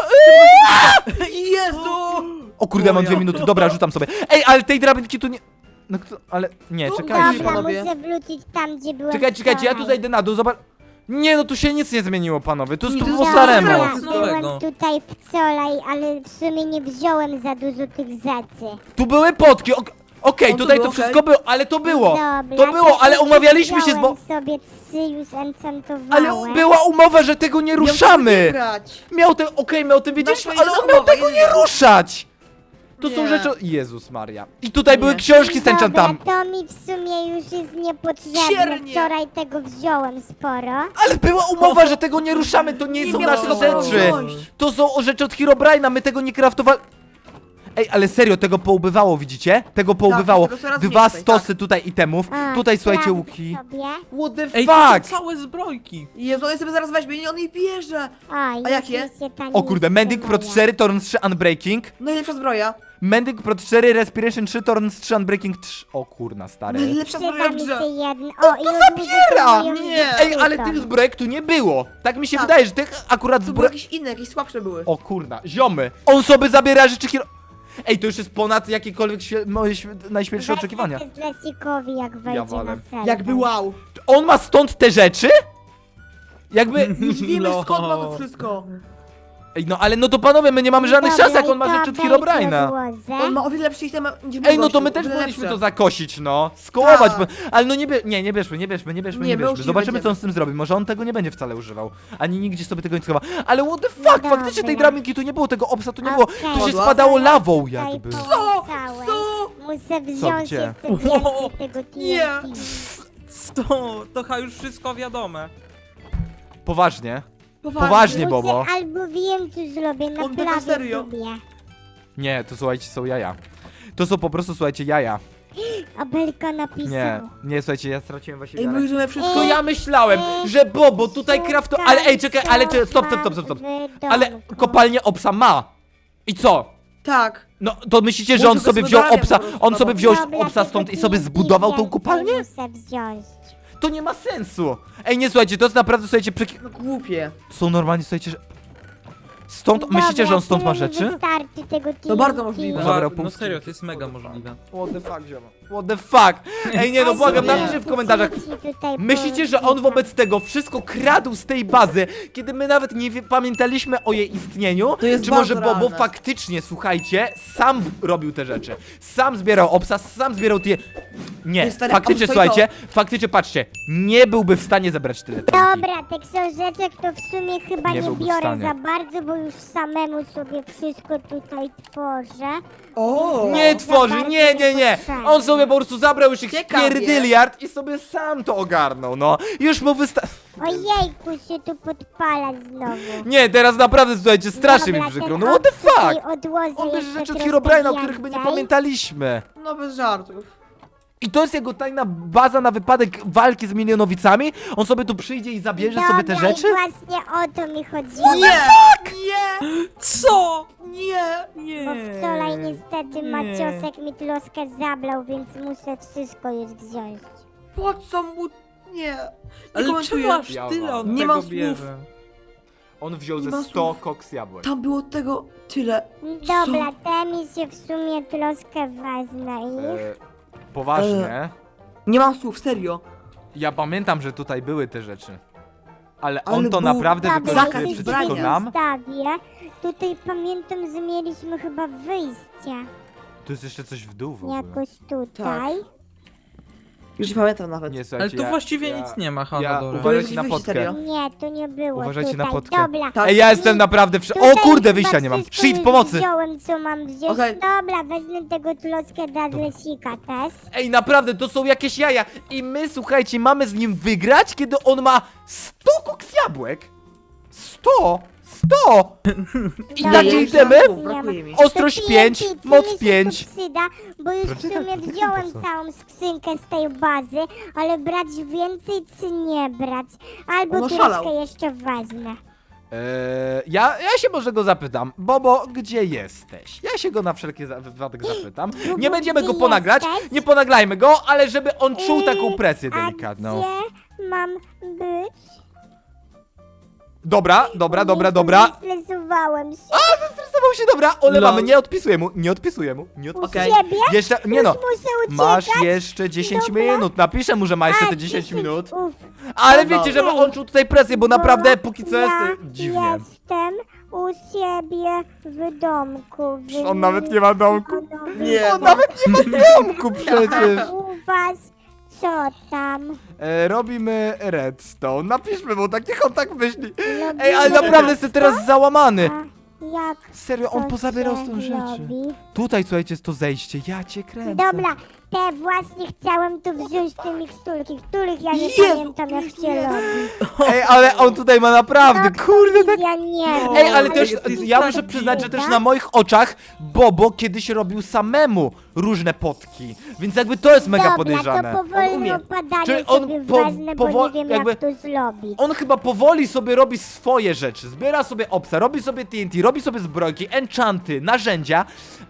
[SPEAKER 2] Jezu!
[SPEAKER 1] O kurde, ja mam
[SPEAKER 3] O
[SPEAKER 1] dwie
[SPEAKER 3] ja.
[SPEAKER 1] minuty, dobra, rzucam sobie. Ej, ale tej drabinki tu nie... No kto, ale... Nie,
[SPEAKER 2] Tu-
[SPEAKER 1] czekajcie.
[SPEAKER 4] Dobra,
[SPEAKER 2] panowie.
[SPEAKER 4] muszę wrócić tam, gdzie byłem
[SPEAKER 1] Czekajcie, czekajcie, ja tu
[SPEAKER 4] wczoraj.
[SPEAKER 1] zajdę na dół, zobacz... Nie, no tu się nic nie zmieniło, panowie, tu jest
[SPEAKER 2] Nie,
[SPEAKER 1] tu
[SPEAKER 2] to
[SPEAKER 1] po
[SPEAKER 2] jest
[SPEAKER 1] staremu.
[SPEAKER 2] stare.
[SPEAKER 4] Dobra,
[SPEAKER 3] Nowego.
[SPEAKER 4] byłem tutaj wczoraj, ale w sumie nie wziąłem za dużo tych rzeczy.
[SPEAKER 1] Tu były potki, ok- okej,
[SPEAKER 2] O, tu
[SPEAKER 1] tutaj
[SPEAKER 2] było,
[SPEAKER 1] to
[SPEAKER 2] okej.
[SPEAKER 1] wszystko było, ale to było.
[SPEAKER 4] Dobra,
[SPEAKER 1] To było, ale
[SPEAKER 4] ja
[SPEAKER 1] umawialiśmy się z bo...
[SPEAKER 4] wziąłem sobie trzy już enchantowałem.
[SPEAKER 1] Ale była umowa, że tego nie
[SPEAKER 2] Ja muszę
[SPEAKER 1] ruszamy.
[SPEAKER 2] grać.
[SPEAKER 1] Miał ten, okej, my o tym wiedzieliśmy,
[SPEAKER 2] Nasza
[SPEAKER 1] ale on
[SPEAKER 2] jedna
[SPEAKER 1] miał
[SPEAKER 2] umowa,
[SPEAKER 1] tego nie
[SPEAKER 2] jedna.
[SPEAKER 1] ruszać. To są
[SPEAKER 2] Nie.
[SPEAKER 1] rzeczy... Jezus Maria. I tutaj były
[SPEAKER 2] Nie.
[SPEAKER 1] książki z enchantami.
[SPEAKER 4] Dobra, to mi w sumie już jest niepotrzebne.
[SPEAKER 2] Siernie.
[SPEAKER 4] Wczoraj tego wziąłem sporo.
[SPEAKER 1] Ale była umowa, że tego nie ruszamy, to nie,
[SPEAKER 2] Nie
[SPEAKER 1] są
[SPEAKER 2] miało
[SPEAKER 1] nasze
[SPEAKER 2] tego
[SPEAKER 1] rzeczy.
[SPEAKER 2] wziąć.
[SPEAKER 1] To są o rzeczy od Herobrine'a, my tego nie kraftowali. Ej, ale serio, tego poubywało, widzicie? Tego poubywało.
[SPEAKER 2] tego coraz
[SPEAKER 1] Dwa
[SPEAKER 2] więcej,
[SPEAKER 1] stosy tutaj itemów.
[SPEAKER 4] A,
[SPEAKER 1] Tutaj, słuchajcie,
[SPEAKER 4] sprawdzę
[SPEAKER 1] łuki.
[SPEAKER 4] sobie.
[SPEAKER 1] What the
[SPEAKER 3] Ej, to są
[SPEAKER 1] fuck?
[SPEAKER 3] całe zbrojki.
[SPEAKER 2] Jezu, on je sobie zaraz weźmie, on jej bierze.
[SPEAKER 4] A, już
[SPEAKER 2] jakie?
[SPEAKER 4] mi się ta
[SPEAKER 1] O kurde,
[SPEAKER 4] nie
[SPEAKER 1] Mending Pro
[SPEAKER 4] wstrzymała.
[SPEAKER 1] cztery, Torn trzy, Unbreaking.
[SPEAKER 2] Najlepsza zbroja.
[SPEAKER 1] Mending Pro cztery, Respiration trzy, Torn trzy, Unbreaking trzy. O kurna, stary.
[SPEAKER 2] Najlepsza zbroja
[SPEAKER 4] Przyda
[SPEAKER 2] w
[SPEAKER 4] mi się
[SPEAKER 2] grze.
[SPEAKER 4] jedno.
[SPEAKER 1] O,
[SPEAKER 4] O, i
[SPEAKER 1] to
[SPEAKER 4] odłożę
[SPEAKER 1] zabiera!
[SPEAKER 4] sobie ją
[SPEAKER 2] Nie.
[SPEAKER 4] z
[SPEAKER 1] Ej, ale
[SPEAKER 4] zeszytem.
[SPEAKER 1] tych zbrojek tu nie było. Tak mi się
[SPEAKER 2] Tak.
[SPEAKER 1] wydaje, że tych akurat
[SPEAKER 2] Tu były
[SPEAKER 1] zbrojek...
[SPEAKER 2] jakieś inne, jakieś słabsze były.
[SPEAKER 1] O kurna, ziomy. On sobie zabiera rzeczy hero... Ej, to już jest ponad jakiekolwiek świe... moje świe... najśmielsze oczekiwania.
[SPEAKER 4] Wezmę też Lesikowi, jak wejdzie
[SPEAKER 1] walę.
[SPEAKER 4] na serwer.
[SPEAKER 2] Jakby wow.
[SPEAKER 1] On ma stąd te rzeczy? Jakby...
[SPEAKER 2] Już wiemy
[SPEAKER 3] No.
[SPEAKER 2] skąd ma to wszystko.
[SPEAKER 1] Ej, no ale no to panowie, my nie mamy żadnych
[SPEAKER 4] Dobra,
[SPEAKER 1] szans, jak
[SPEAKER 4] i
[SPEAKER 1] on ma
[SPEAKER 4] to
[SPEAKER 1] rzeczy od
[SPEAKER 4] weź
[SPEAKER 1] Herobrine'a.
[SPEAKER 4] odłożę.
[SPEAKER 2] On ma o wiele lepsze itemy niż mój
[SPEAKER 1] Ej, no to
[SPEAKER 2] gościu,
[SPEAKER 1] my
[SPEAKER 2] o
[SPEAKER 1] też
[SPEAKER 2] wiele
[SPEAKER 1] powinniśmy
[SPEAKER 2] lepsze.
[SPEAKER 1] to zakosić, no. Skołować,
[SPEAKER 2] Tak.
[SPEAKER 1] bo... ale no nie, bie... nie, nie bierzmy, nie bierzmy, nie bierzmy,
[SPEAKER 2] Nie,
[SPEAKER 1] nie
[SPEAKER 2] my już
[SPEAKER 1] bierzmy.
[SPEAKER 2] nie
[SPEAKER 1] Zobaczymy,
[SPEAKER 2] będziemy.
[SPEAKER 1] co on z tym zrobi. Może on tego nie będzie wcale używał. Ani nigdzie sobie tego nie schowa. Ale what the fuck,
[SPEAKER 4] No
[SPEAKER 1] faktycznie tej
[SPEAKER 4] dobra.
[SPEAKER 1] drabinki tu nie było, tego obsa tu nie było.
[SPEAKER 4] Okej.
[SPEAKER 1] To się
[SPEAKER 2] Podła?
[SPEAKER 1] spadało lawą
[SPEAKER 4] Tutaj
[SPEAKER 1] jakby.
[SPEAKER 4] połączałem.
[SPEAKER 2] Co?
[SPEAKER 4] Muszę wziąć
[SPEAKER 1] gdzie?
[SPEAKER 4] jeszcze więcej tego T N T.
[SPEAKER 2] Nie.
[SPEAKER 3] To, to chyba już wszystko wiadome.
[SPEAKER 1] Poważnie.
[SPEAKER 2] Poważnie.
[SPEAKER 1] Poważnie,
[SPEAKER 4] Muszę,
[SPEAKER 1] Bobo.
[SPEAKER 4] albo wiem, co zrobię,
[SPEAKER 2] On tak
[SPEAKER 4] naprawię
[SPEAKER 2] serio?
[SPEAKER 4] sobie.
[SPEAKER 1] Nie, to słuchajcie, są jaja. To są po prostu, słuchajcie, jaja.
[SPEAKER 4] Abelka napisał.
[SPEAKER 1] Nie, nie, słuchajcie, ja straciłem właśnie
[SPEAKER 2] Ej, my
[SPEAKER 1] wiarę.
[SPEAKER 2] możemy wszystko...
[SPEAKER 1] To ja myślałem, że Bobo tutaj krafto... Ale ej, czekaj, ale czy... Stop, stop, stop, stop, stop. Ale kopalnię obsa ma. I co?
[SPEAKER 2] Tak.
[SPEAKER 1] No, to myślicie, że
[SPEAKER 2] Może
[SPEAKER 1] on sobie wziął
[SPEAKER 2] gospodarem
[SPEAKER 1] obsa,
[SPEAKER 2] po prostu,
[SPEAKER 1] on sobie
[SPEAKER 2] no.
[SPEAKER 1] wziął
[SPEAKER 4] Dobra,
[SPEAKER 1] obsa
[SPEAKER 4] to
[SPEAKER 1] stąd i
[SPEAKER 4] taki
[SPEAKER 1] sobie zbudował tą
[SPEAKER 4] więcej
[SPEAKER 1] kopalnię?
[SPEAKER 4] muszę wziąć.
[SPEAKER 1] To nie ma sensu. Ej, nie, słuchajcie, to jest naprawdę, słuchajcie, przeki...
[SPEAKER 2] No głupie.
[SPEAKER 1] Są normalnie, słuchajcie, że... Stąd, myślicie, że on stąd ma
[SPEAKER 4] tyle mi
[SPEAKER 1] rzeczy?
[SPEAKER 4] wystarczy tego
[SPEAKER 2] To bardzo
[SPEAKER 4] T N T.
[SPEAKER 2] możliwe.
[SPEAKER 1] Zabrał
[SPEAKER 3] No
[SPEAKER 1] punkt
[SPEAKER 3] serio,
[SPEAKER 1] skrzynki.
[SPEAKER 3] to jest mega możliwe.
[SPEAKER 1] What the fuck, zioma? What the fuck? Ej, nie, no błagam,
[SPEAKER 2] Nie.
[SPEAKER 1] napiszcie w komentarzach.
[SPEAKER 4] Tutaj
[SPEAKER 1] Myślicie, że on wobec tego wszystko kradł z tej bazy, kiedy my nawet nie wie, pamiętaliśmy o jej istnieniu?
[SPEAKER 2] To jest
[SPEAKER 1] Czy może
[SPEAKER 2] bardzo
[SPEAKER 1] Bobo
[SPEAKER 2] realne.
[SPEAKER 1] faktycznie, słuchajcie, sam robił te rzeczy? Sam zbierał obsa, sam zbierał tie... Nie,
[SPEAKER 2] Ej, stary,
[SPEAKER 1] faktycznie,
[SPEAKER 2] a to i
[SPEAKER 1] słuchajcie, faktycznie, patrzcie, nie byłby w stanie zebrać tyle T N T.
[SPEAKER 4] Dobra, te książeczek to w sumie chyba
[SPEAKER 1] Nie
[SPEAKER 4] nie,
[SPEAKER 1] byłby w
[SPEAKER 4] biorę
[SPEAKER 1] stanie.
[SPEAKER 4] za bardzo, bo już samemu sobie wszystko tutaj tworzę.
[SPEAKER 2] O!
[SPEAKER 1] Nie
[SPEAKER 4] za
[SPEAKER 1] tworzy,
[SPEAKER 4] bardzo
[SPEAKER 1] nie, nie, nie.
[SPEAKER 4] niepotrzebne.
[SPEAKER 1] On sobie po prostu zabrał już ich
[SPEAKER 2] Ciekawie.
[SPEAKER 1] pierdyliard i sobie sam to ogarnął, no. Już mu wysta...
[SPEAKER 4] Ojejku, się tu podpala znowu.
[SPEAKER 1] Nie, teraz naprawdę, słuchajcie, strasznie mi
[SPEAKER 4] Dobra,
[SPEAKER 1] przykro,
[SPEAKER 4] ten
[SPEAKER 1] no what the
[SPEAKER 4] obcy
[SPEAKER 1] fuck?
[SPEAKER 4] tutaj odłożę
[SPEAKER 1] On bierze
[SPEAKER 4] jeszcze
[SPEAKER 1] rzeczy od
[SPEAKER 4] troszkę
[SPEAKER 1] Herobrine'a, o których my nie
[SPEAKER 4] więcej.
[SPEAKER 1] pamiętaliśmy.
[SPEAKER 2] No bez żartów.
[SPEAKER 1] I to jest jego tajna baza na wypadek walki z milionowicami? On sobie tu przyjdzie i zabierze sobie te
[SPEAKER 4] Dobra,
[SPEAKER 1] rzeczy?
[SPEAKER 4] i właśnie o to mi chodziło.
[SPEAKER 2] Nie! Nie!
[SPEAKER 3] Co?
[SPEAKER 2] Nie!
[SPEAKER 3] Nie.
[SPEAKER 4] Bo wczoraj niestety
[SPEAKER 3] nie.
[SPEAKER 4] Maciosek mi troskę zablał, więc muszę wszystko już wziąć.
[SPEAKER 2] Po co mu... Nie. Nie
[SPEAKER 3] Ale
[SPEAKER 2] komentuję.
[SPEAKER 3] czemu aż
[SPEAKER 1] Ja
[SPEAKER 3] tyle
[SPEAKER 1] wam.
[SPEAKER 3] on
[SPEAKER 2] Nie
[SPEAKER 3] tego
[SPEAKER 2] mam słów.
[SPEAKER 3] bierze?
[SPEAKER 1] On wziął
[SPEAKER 2] Nie
[SPEAKER 1] ze
[SPEAKER 2] ma
[SPEAKER 1] sto
[SPEAKER 2] słów.
[SPEAKER 1] koks jabłek.
[SPEAKER 2] Tam było tego tyle.
[SPEAKER 4] Dobra, te mi się w sumie troskę wezmę ich.
[SPEAKER 1] E, poważnie.
[SPEAKER 2] Nie mam słów, serio.
[SPEAKER 1] Ja pamiętam, że tutaj były te rzeczy. Ale
[SPEAKER 2] Ale
[SPEAKER 1] on to
[SPEAKER 2] był
[SPEAKER 1] naprawdę
[SPEAKER 4] Dobra,
[SPEAKER 1] wykorzystuje
[SPEAKER 2] zakaz
[SPEAKER 4] jakieś
[SPEAKER 1] przeciwko
[SPEAKER 2] zbrania.
[SPEAKER 1] nam.
[SPEAKER 4] wystawię. Tutaj pamiętam, że mieliśmy chyba wyjście.
[SPEAKER 1] Tu jest jeszcze coś w dół w ogóle.
[SPEAKER 4] Jakoś tutaj.
[SPEAKER 2] Już nie pamiętam nawet.
[SPEAKER 1] Nie,
[SPEAKER 3] Ale
[SPEAKER 1] słuchajcie,
[SPEAKER 3] tu
[SPEAKER 1] ja,
[SPEAKER 3] właściwie
[SPEAKER 1] ja,
[SPEAKER 3] nic nie ma,
[SPEAKER 1] Ja,
[SPEAKER 3] Hanador.
[SPEAKER 1] uważajcie na
[SPEAKER 2] Wyjście,
[SPEAKER 1] potkę.
[SPEAKER 2] serio?
[SPEAKER 4] Nie, tu nie było.
[SPEAKER 1] Uważajcie na
[SPEAKER 4] tutaj.
[SPEAKER 1] potkę.
[SPEAKER 4] Dobra.
[SPEAKER 2] Tak.
[SPEAKER 1] Ej, ja jestem naprawdę w... O
[SPEAKER 4] Tutaj
[SPEAKER 1] kurde,
[SPEAKER 4] chyba
[SPEAKER 1] wyjścia nie mam.
[SPEAKER 4] wszystko
[SPEAKER 1] Shit,
[SPEAKER 4] już
[SPEAKER 1] pomocy!
[SPEAKER 4] Wziąłem, co mam wziąć.
[SPEAKER 2] Okej.
[SPEAKER 4] Dobra, wezmę tego troskę dla Dresika też.
[SPEAKER 1] Ej, naprawdę, to są jakieś jaja. I my, słuchajcie, mamy z nim wygrać, kiedy on ma sto koks jabłek. sto! sto! I
[SPEAKER 4] Dobra,
[SPEAKER 1] takie
[SPEAKER 2] już
[SPEAKER 1] itemy?
[SPEAKER 2] mam słów, brakuje mi.
[SPEAKER 1] Ostrość
[SPEAKER 4] To
[SPEAKER 1] pięć,
[SPEAKER 4] T N T, co
[SPEAKER 1] moc
[SPEAKER 4] mi się
[SPEAKER 1] pięć.
[SPEAKER 4] tu przyda, bo już w
[SPEAKER 1] Poczekaj,
[SPEAKER 4] sumie
[SPEAKER 1] poczekaj,
[SPEAKER 4] wziąłem
[SPEAKER 1] po co?
[SPEAKER 4] całą skrzynkę z tej bazy, ale brać więcej czy nie brać? Albo
[SPEAKER 2] On oszalał.
[SPEAKER 4] troszkę jeszcze wezmę.
[SPEAKER 1] Eee, ja, ja się może go zapytam. Bobo, gdzie jesteś? Ja się go na wszelki za- wypadek zapytam. Nie
[SPEAKER 4] Bobo,
[SPEAKER 1] będziemy go
[SPEAKER 4] gdzie
[SPEAKER 1] ponagrać,
[SPEAKER 4] jesteś?
[SPEAKER 1] nie ponaglajmy go, ale żeby on czuł taką
[SPEAKER 4] Yy,
[SPEAKER 1] presję
[SPEAKER 4] A
[SPEAKER 1] delikatną.
[SPEAKER 4] gdzie mam być?
[SPEAKER 1] Dobra, dobra, dobra,
[SPEAKER 4] Jezu,
[SPEAKER 1] dobra.
[SPEAKER 4] Zestresowałem się.
[SPEAKER 1] Zastresował się, dobra, olewamy,
[SPEAKER 2] Lol.
[SPEAKER 1] nie odpisuję mu, nie odpisuję mu, nie
[SPEAKER 4] U
[SPEAKER 1] odpisuję.
[SPEAKER 2] Okej.
[SPEAKER 4] siebie?
[SPEAKER 1] Jeszcze, nie no,
[SPEAKER 4] Już muszę uciekać?
[SPEAKER 1] masz jeszcze dziesięć
[SPEAKER 4] Dobra.
[SPEAKER 1] minut, napiszę mu, że ma jeszcze
[SPEAKER 4] A,
[SPEAKER 1] te dziesięć minut.
[SPEAKER 4] Uf.
[SPEAKER 1] Ale
[SPEAKER 2] Dobra.
[SPEAKER 1] wiecie, żeby on czuł tutaj presję, bo naprawdę póki co
[SPEAKER 4] ja
[SPEAKER 1] jest y, dziwnie.
[SPEAKER 4] jestem u siebie w domku. W
[SPEAKER 1] On nawet nie ma domku.
[SPEAKER 2] Nie,
[SPEAKER 1] On
[SPEAKER 2] no.
[SPEAKER 1] nawet nie ma domku przecież.
[SPEAKER 4] A u was co tam?
[SPEAKER 1] E, robimy redstone, napiszmy mu tak, niech on tak myśli.
[SPEAKER 4] Robimy
[SPEAKER 1] Ej, ale naprawdę jestem teraz załamany.
[SPEAKER 4] A jak
[SPEAKER 1] Serio, on
[SPEAKER 4] to
[SPEAKER 1] pozabierał
[SPEAKER 4] się
[SPEAKER 1] stąd rzeczy.
[SPEAKER 4] robi?
[SPEAKER 1] Tutaj, słuchajcie, jest to zejście, ja cię kręcę.
[SPEAKER 4] Dobra, te właśnie chciałem tu wziąć te miksturki, których ja nie
[SPEAKER 2] Jezu,
[SPEAKER 4] pamiętam jak się
[SPEAKER 2] nie.
[SPEAKER 4] robi.
[SPEAKER 1] Ej, ale on tutaj ma naprawdę, kurde, tak...
[SPEAKER 4] Ja nie wiem.
[SPEAKER 1] Ej, ale też,
[SPEAKER 3] to jest
[SPEAKER 1] ja
[SPEAKER 3] tak
[SPEAKER 1] muszę przyznać, że też
[SPEAKER 4] dziwne.
[SPEAKER 1] na moich oczach Bobo kiedyś robił samemu różne potki, więc jakby to jest mega
[SPEAKER 4] Dobra,
[SPEAKER 1] podejrzane.
[SPEAKER 4] to
[SPEAKER 2] On
[SPEAKER 4] powolne
[SPEAKER 2] umie.
[SPEAKER 4] opadanie
[SPEAKER 1] Czyli on
[SPEAKER 4] sobie
[SPEAKER 1] po-
[SPEAKER 4] wezmę, bo
[SPEAKER 1] powo-
[SPEAKER 4] nie wiem
[SPEAKER 1] jakby-
[SPEAKER 4] jak to zrobić.
[SPEAKER 1] On chyba powoli sobie robi swoje rzeczy, zbiera sobie obsa, robi sobie T N T, robi sobie zbrojki, enchanty, narzędzia,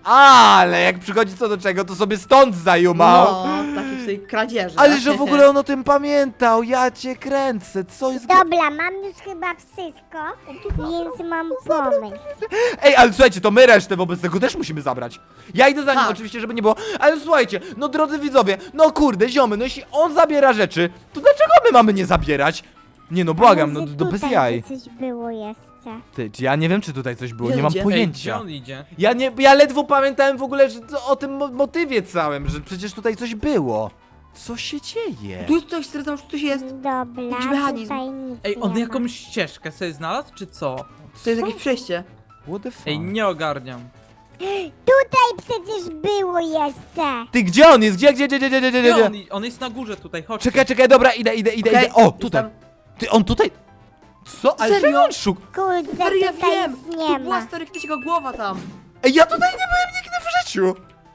[SPEAKER 1] ale jak przychodzi co do czego, to sobie stąd zajumał.
[SPEAKER 2] No, takie w tej kradzieży.
[SPEAKER 1] Ale że w ogóle on o tym pamiętał, ja cię kręcę, co jest... gra-
[SPEAKER 4] Dobra, mam już chyba wszystko, więc mam pomysł.
[SPEAKER 1] Ej, ale słuchajcie, to my resztę wobec tego też musimy zabrać. Ja idę za nim
[SPEAKER 2] Tak.
[SPEAKER 1] oczywiście, żeby nie było, ale słuchajcie, no drodzy widzowie, no kurde, ziomy, no jeśli on zabiera rzeczy, to dlaczego my mamy nie zabierać? Nie no, błagam, no
[SPEAKER 4] Może
[SPEAKER 1] to bez
[SPEAKER 4] tutaj
[SPEAKER 1] jaj.
[SPEAKER 4] coś było jeszcze.
[SPEAKER 1] Ty, czy ja nie wiem, czy tutaj coś było,
[SPEAKER 2] Gdzie
[SPEAKER 1] nie mam
[SPEAKER 2] idzie?
[SPEAKER 3] Ej, gdzie
[SPEAKER 1] pojęcia.
[SPEAKER 3] on idzie?
[SPEAKER 1] Ja nie, ja ledwo pamiętałem w ogóle, że to, o tym mo motywie całym, że przecież tutaj coś było. Co się dzieje?
[SPEAKER 2] Tu jest coś, stwierdzam, że coś jest.
[SPEAKER 4] Dobra,
[SPEAKER 2] Jakiś mechanizm.
[SPEAKER 4] tutaj nic
[SPEAKER 3] Ej, on
[SPEAKER 4] nie
[SPEAKER 3] jakąś ścieżkę sobie znalazł, czy co?
[SPEAKER 2] To jest jakieś przejście.
[SPEAKER 1] What the fuck?
[SPEAKER 3] Ej, nie ogarniam.
[SPEAKER 4] ma. Tutaj przecież było jeszcze.
[SPEAKER 1] Ty, gdzie on jest? Gdzie, gdzie, gdzie, gdzie, gdzie, gdzie,
[SPEAKER 3] Gdzie
[SPEAKER 1] gdzie?
[SPEAKER 3] on, on jest na górze tutaj, chodź.
[SPEAKER 1] Czekaj, czekaj, dobra, idę, idę, idę,
[SPEAKER 2] Okej,
[SPEAKER 1] idę. O,
[SPEAKER 2] jest
[SPEAKER 1] tutaj.
[SPEAKER 2] tam.
[SPEAKER 1] Ty, on tutaj... Co? Ale
[SPEAKER 2] Serio?
[SPEAKER 1] czego on szuk?
[SPEAKER 4] Kurde,
[SPEAKER 2] Stary, ja
[SPEAKER 4] tutaj
[SPEAKER 2] wiem!
[SPEAKER 4] nic
[SPEAKER 2] Tu
[SPEAKER 4] nie
[SPEAKER 2] była
[SPEAKER 4] ma.
[SPEAKER 2] stary kiedyś jego głowa tam.
[SPEAKER 1] Ej, ja tutaj nie byłem nigdy w życiu.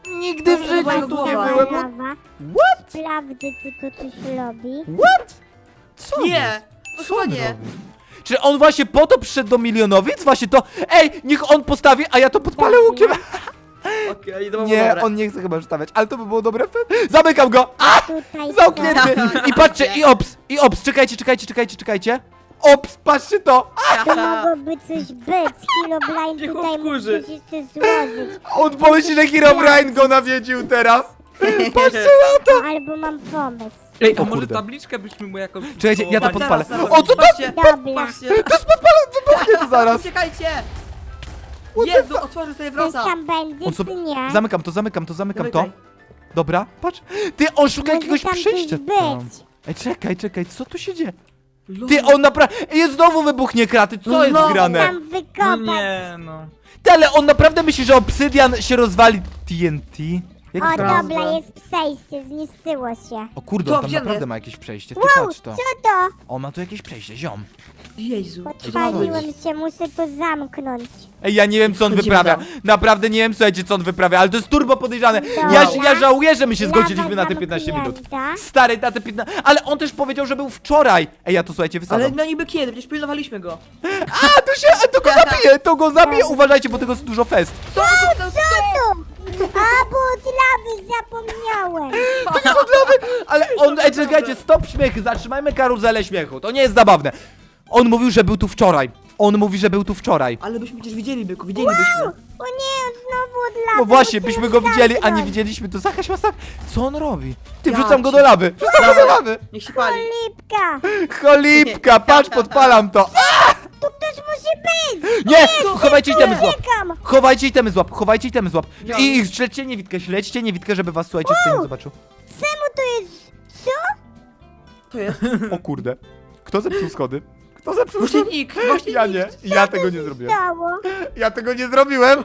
[SPEAKER 1] Nigdy w
[SPEAKER 2] To
[SPEAKER 1] życiu
[SPEAKER 2] chyba
[SPEAKER 1] tu
[SPEAKER 2] głowa.
[SPEAKER 1] nie byłem.
[SPEAKER 4] Lawa.
[SPEAKER 1] What?
[SPEAKER 4] Sprawdzę, czy to coś robi.
[SPEAKER 1] What? Co?
[SPEAKER 2] Nie, to
[SPEAKER 1] Co
[SPEAKER 2] chyba
[SPEAKER 1] on
[SPEAKER 2] nie.
[SPEAKER 1] robi? Czy on właśnie po to przyszedł do milionowic? Właśnie to... Ej, niech on postawi, a ja to podpalę łukiem.
[SPEAKER 2] Okej, to było
[SPEAKER 1] Nie,
[SPEAKER 2] dobre.
[SPEAKER 1] on nie chce chyba stawiać, ale to by było dobre. Zamykam go! A!
[SPEAKER 4] Tutaj
[SPEAKER 1] Zamknięty! I patrzcie, i ops, i ops, czekajcie, czekajcie, czekajcie, czekajcie. Ops, patrzcie to! A!
[SPEAKER 4] To mogłoby coś być. Herobrine
[SPEAKER 3] Cicho
[SPEAKER 4] tutaj mógł
[SPEAKER 3] wkurzy.
[SPEAKER 4] coś jeszcze złożyć.
[SPEAKER 1] On pomyśli, że Herobrine go nawiedził teraz. Patrzcie na to!
[SPEAKER 4] Albo mam pomysł.
[SPEAKER 3] Ej, a
[SPEAKER 1] O
[SPEAKER 3] może
[SPEAKER 1] kurde.
[SPEAKER 3] tabliczkę byśmy mu jakoś...
[SPEAKER 1] Czekajcie, ja to
[SPEAKER 3] połowali?
[SPEAKER 1] podpalę.
[SPEAKER 2] Zaraz, zaraz.
[SPEAKER 1] O, co to?
[SPEAKER 2] Patrzcie,
[SPEAKER 4] Dobra.
[SPEAKER 2] patrzcie.
[SPEAKER 1] To jest podpalę, wybuchnie to zaraz.
[SPEAKER 2] Uciekajcie! Jezu, otworzył sobie
[SPEAKER 4] Coś
[SPEAKER 2] wrota.
[SPEAKER 4] tam będzie,
[SPEAKER 1] On sobie...
[SPEAKER 4] czy nie?
[SPEAKER 1] Zamykam to, zamykam to, zamykam to.
[SPEAKER 2] Zamykaj.
[SPEAKER 1] Dobra, patrz. Ty, on szuka
[SPEAKER 4] Może
[SPEAKER 1] jakiegoś
[SPEAKER 4] tam coś
[SPEAKER 1] przejścia
[SPEAKER 4] być.
[SPEAKER 1] tam. Ej, czekaj, czekaj, co tu się dzieje?
[SPEAKER 2] Lol.
[SPEAKER 1] Ty, on naprawdę... Ej, znowu wybuchnie kraty, co
[SPEAKER 2] No
[SPEAKER 1] jest
[SPEAKER 2] znowu.
[SPEAKER 1] grane?
[SPEAKER 4] Tam
[SPEAKER 3] No
[SPEAKER 4] wykopać.
[SPEAKER 3] nie, no.
[SPEAKER 1] Ty, ale on naprawdę myśli, że obsydian się rozwali T N T? Jak
[SPEAKER 4] O,
[SPEAKER 2] Prawda.
[SPEAKER 4] dobra, jest przejście, zniszczyło się.
[SPEAKER 1] O kurde,
[SPEAKER 2] Co,
[SPEAKER 1] on tam
[SPEAKER 2] gdzie on
[SPEAKER 1] naprawdę
[SPEAKER 2] jest?
[SPEAKER 1] ma jakieś przejście. Ty
[SPEAKER 4] Wow,
[SPEAKER 1] patrz to.
[SPEAKER 4] co to?
[SPEAKER 1] On ma tu jakieś przejście, ziom.
[SPEAKER 2] Jezu.
[SPEAKER 4] Podpaliłem się, muszę to zamknąć.
[SPEAKER 1] Ej, ja nie wiem, co on
[SPEAKER 2] Wchodzimy
[SPEAKER 1] wyprawia.
[SPEAKER 2] tam.
[SPEAKER 1] Naprawdę nie wiem, słuchajcie, co on wyprawia, ale to jest turbo podejrzane. Ja,
[SPEAKER 4] Dobra.
[SPEAKER 1] ja żałuję, że my się
[SPEAKER 4] Lawa
[SPEAKER 1] zgodziliśmy na te piętnaście minut.
[SPEAKER 4] zamknięta.
[SPEAKER 1] Stary, na te piętnaście... Ale on też powiedział, że był wczoraj. Ej, ja to słuchajcie,
[SPEAKER 2] Ale
[SPEAKER 1] wysadzam.
[SPEAKER 2] no niby kiedy? Przecież pilnowaliśmy go.
[SPEAKER 1] A, to się... A, to go zabije, to go zabije. Uważajcie, bo tego jest dużo fest.
[SPEAKER 2] Co? Co? Co?
[SPEAKER 4] Tu! A, bo od lawy zapomniałem.
[SPEAKER 1] Ale on... Ej, czekajcie, stop śmiechy, zatrzymajmy karuzelę śmiechu. To nie jest zabawne. On mówił, że był tu wczoraj. On mówi, że był tu wczoraj.
[SPEAKER 2] Ale byśmy przecież widzieli, byku, widzielibyśmy.
[SPEAKER 4] O nie, on znowu od lawy.
[SPEAKER 1] No właśnie,
[SPEAKER 4] muszę
[SPEAKER 1] byśmy
[SPEAKER 4] ją
[SPEAKER 1] go widzieli, a nie
[SPEAKER 4] zamknąć.
[SPEAKER 1] widzieliśmy. To Zakaś Masak, co on robi? Ty,
[SPEAKER 2] Ja
[SPEAKER 1] wrzucam go
[SPEAKER 2] cię-
[SPEAKER 1] do lawy. Wrzucam go do lawy.
[SPEAKER 2] Niech się pali.
[SPEAKER 4] Lipka.
[SPEAKER 1] Cholipka, patrz, podpalam to.
[SPEAKER 4] Tu ktoś musi być.
[SPEAKER 1] Nie, chowajcie itemy złap.
[SPEAKER 4] Uciekam.
[SPEAKER 1] Chowajcie itemy złap, chowajcie itemy złap.
[SPEAKER 2] Ja-
[SPEAKER 1] I, i śledźcie niewidkę, śledźcie niewidkę, żeby was, słuchajcie, kto nie zobaczył.
[SPEAKER 4] Czemu to jest... Co?
[SPEAKER 2] To jest.
[SPEAKER 1] O kurde. Kto zepsuł schody? Kto zepsuł
[SPEAKER 2] Właśnie
[SPEAKER 1] schody?
[SPEAKER 2] nikt, właśnie
[SPEAKER 1] Ja
[SPEAKER 2] nikt.
[SPEAKER 1] nie, ja tego nie zrobiłem.
[SPEAKER 4] Stało.
[SPEAKER 1] Ja tego nie zrobiłem.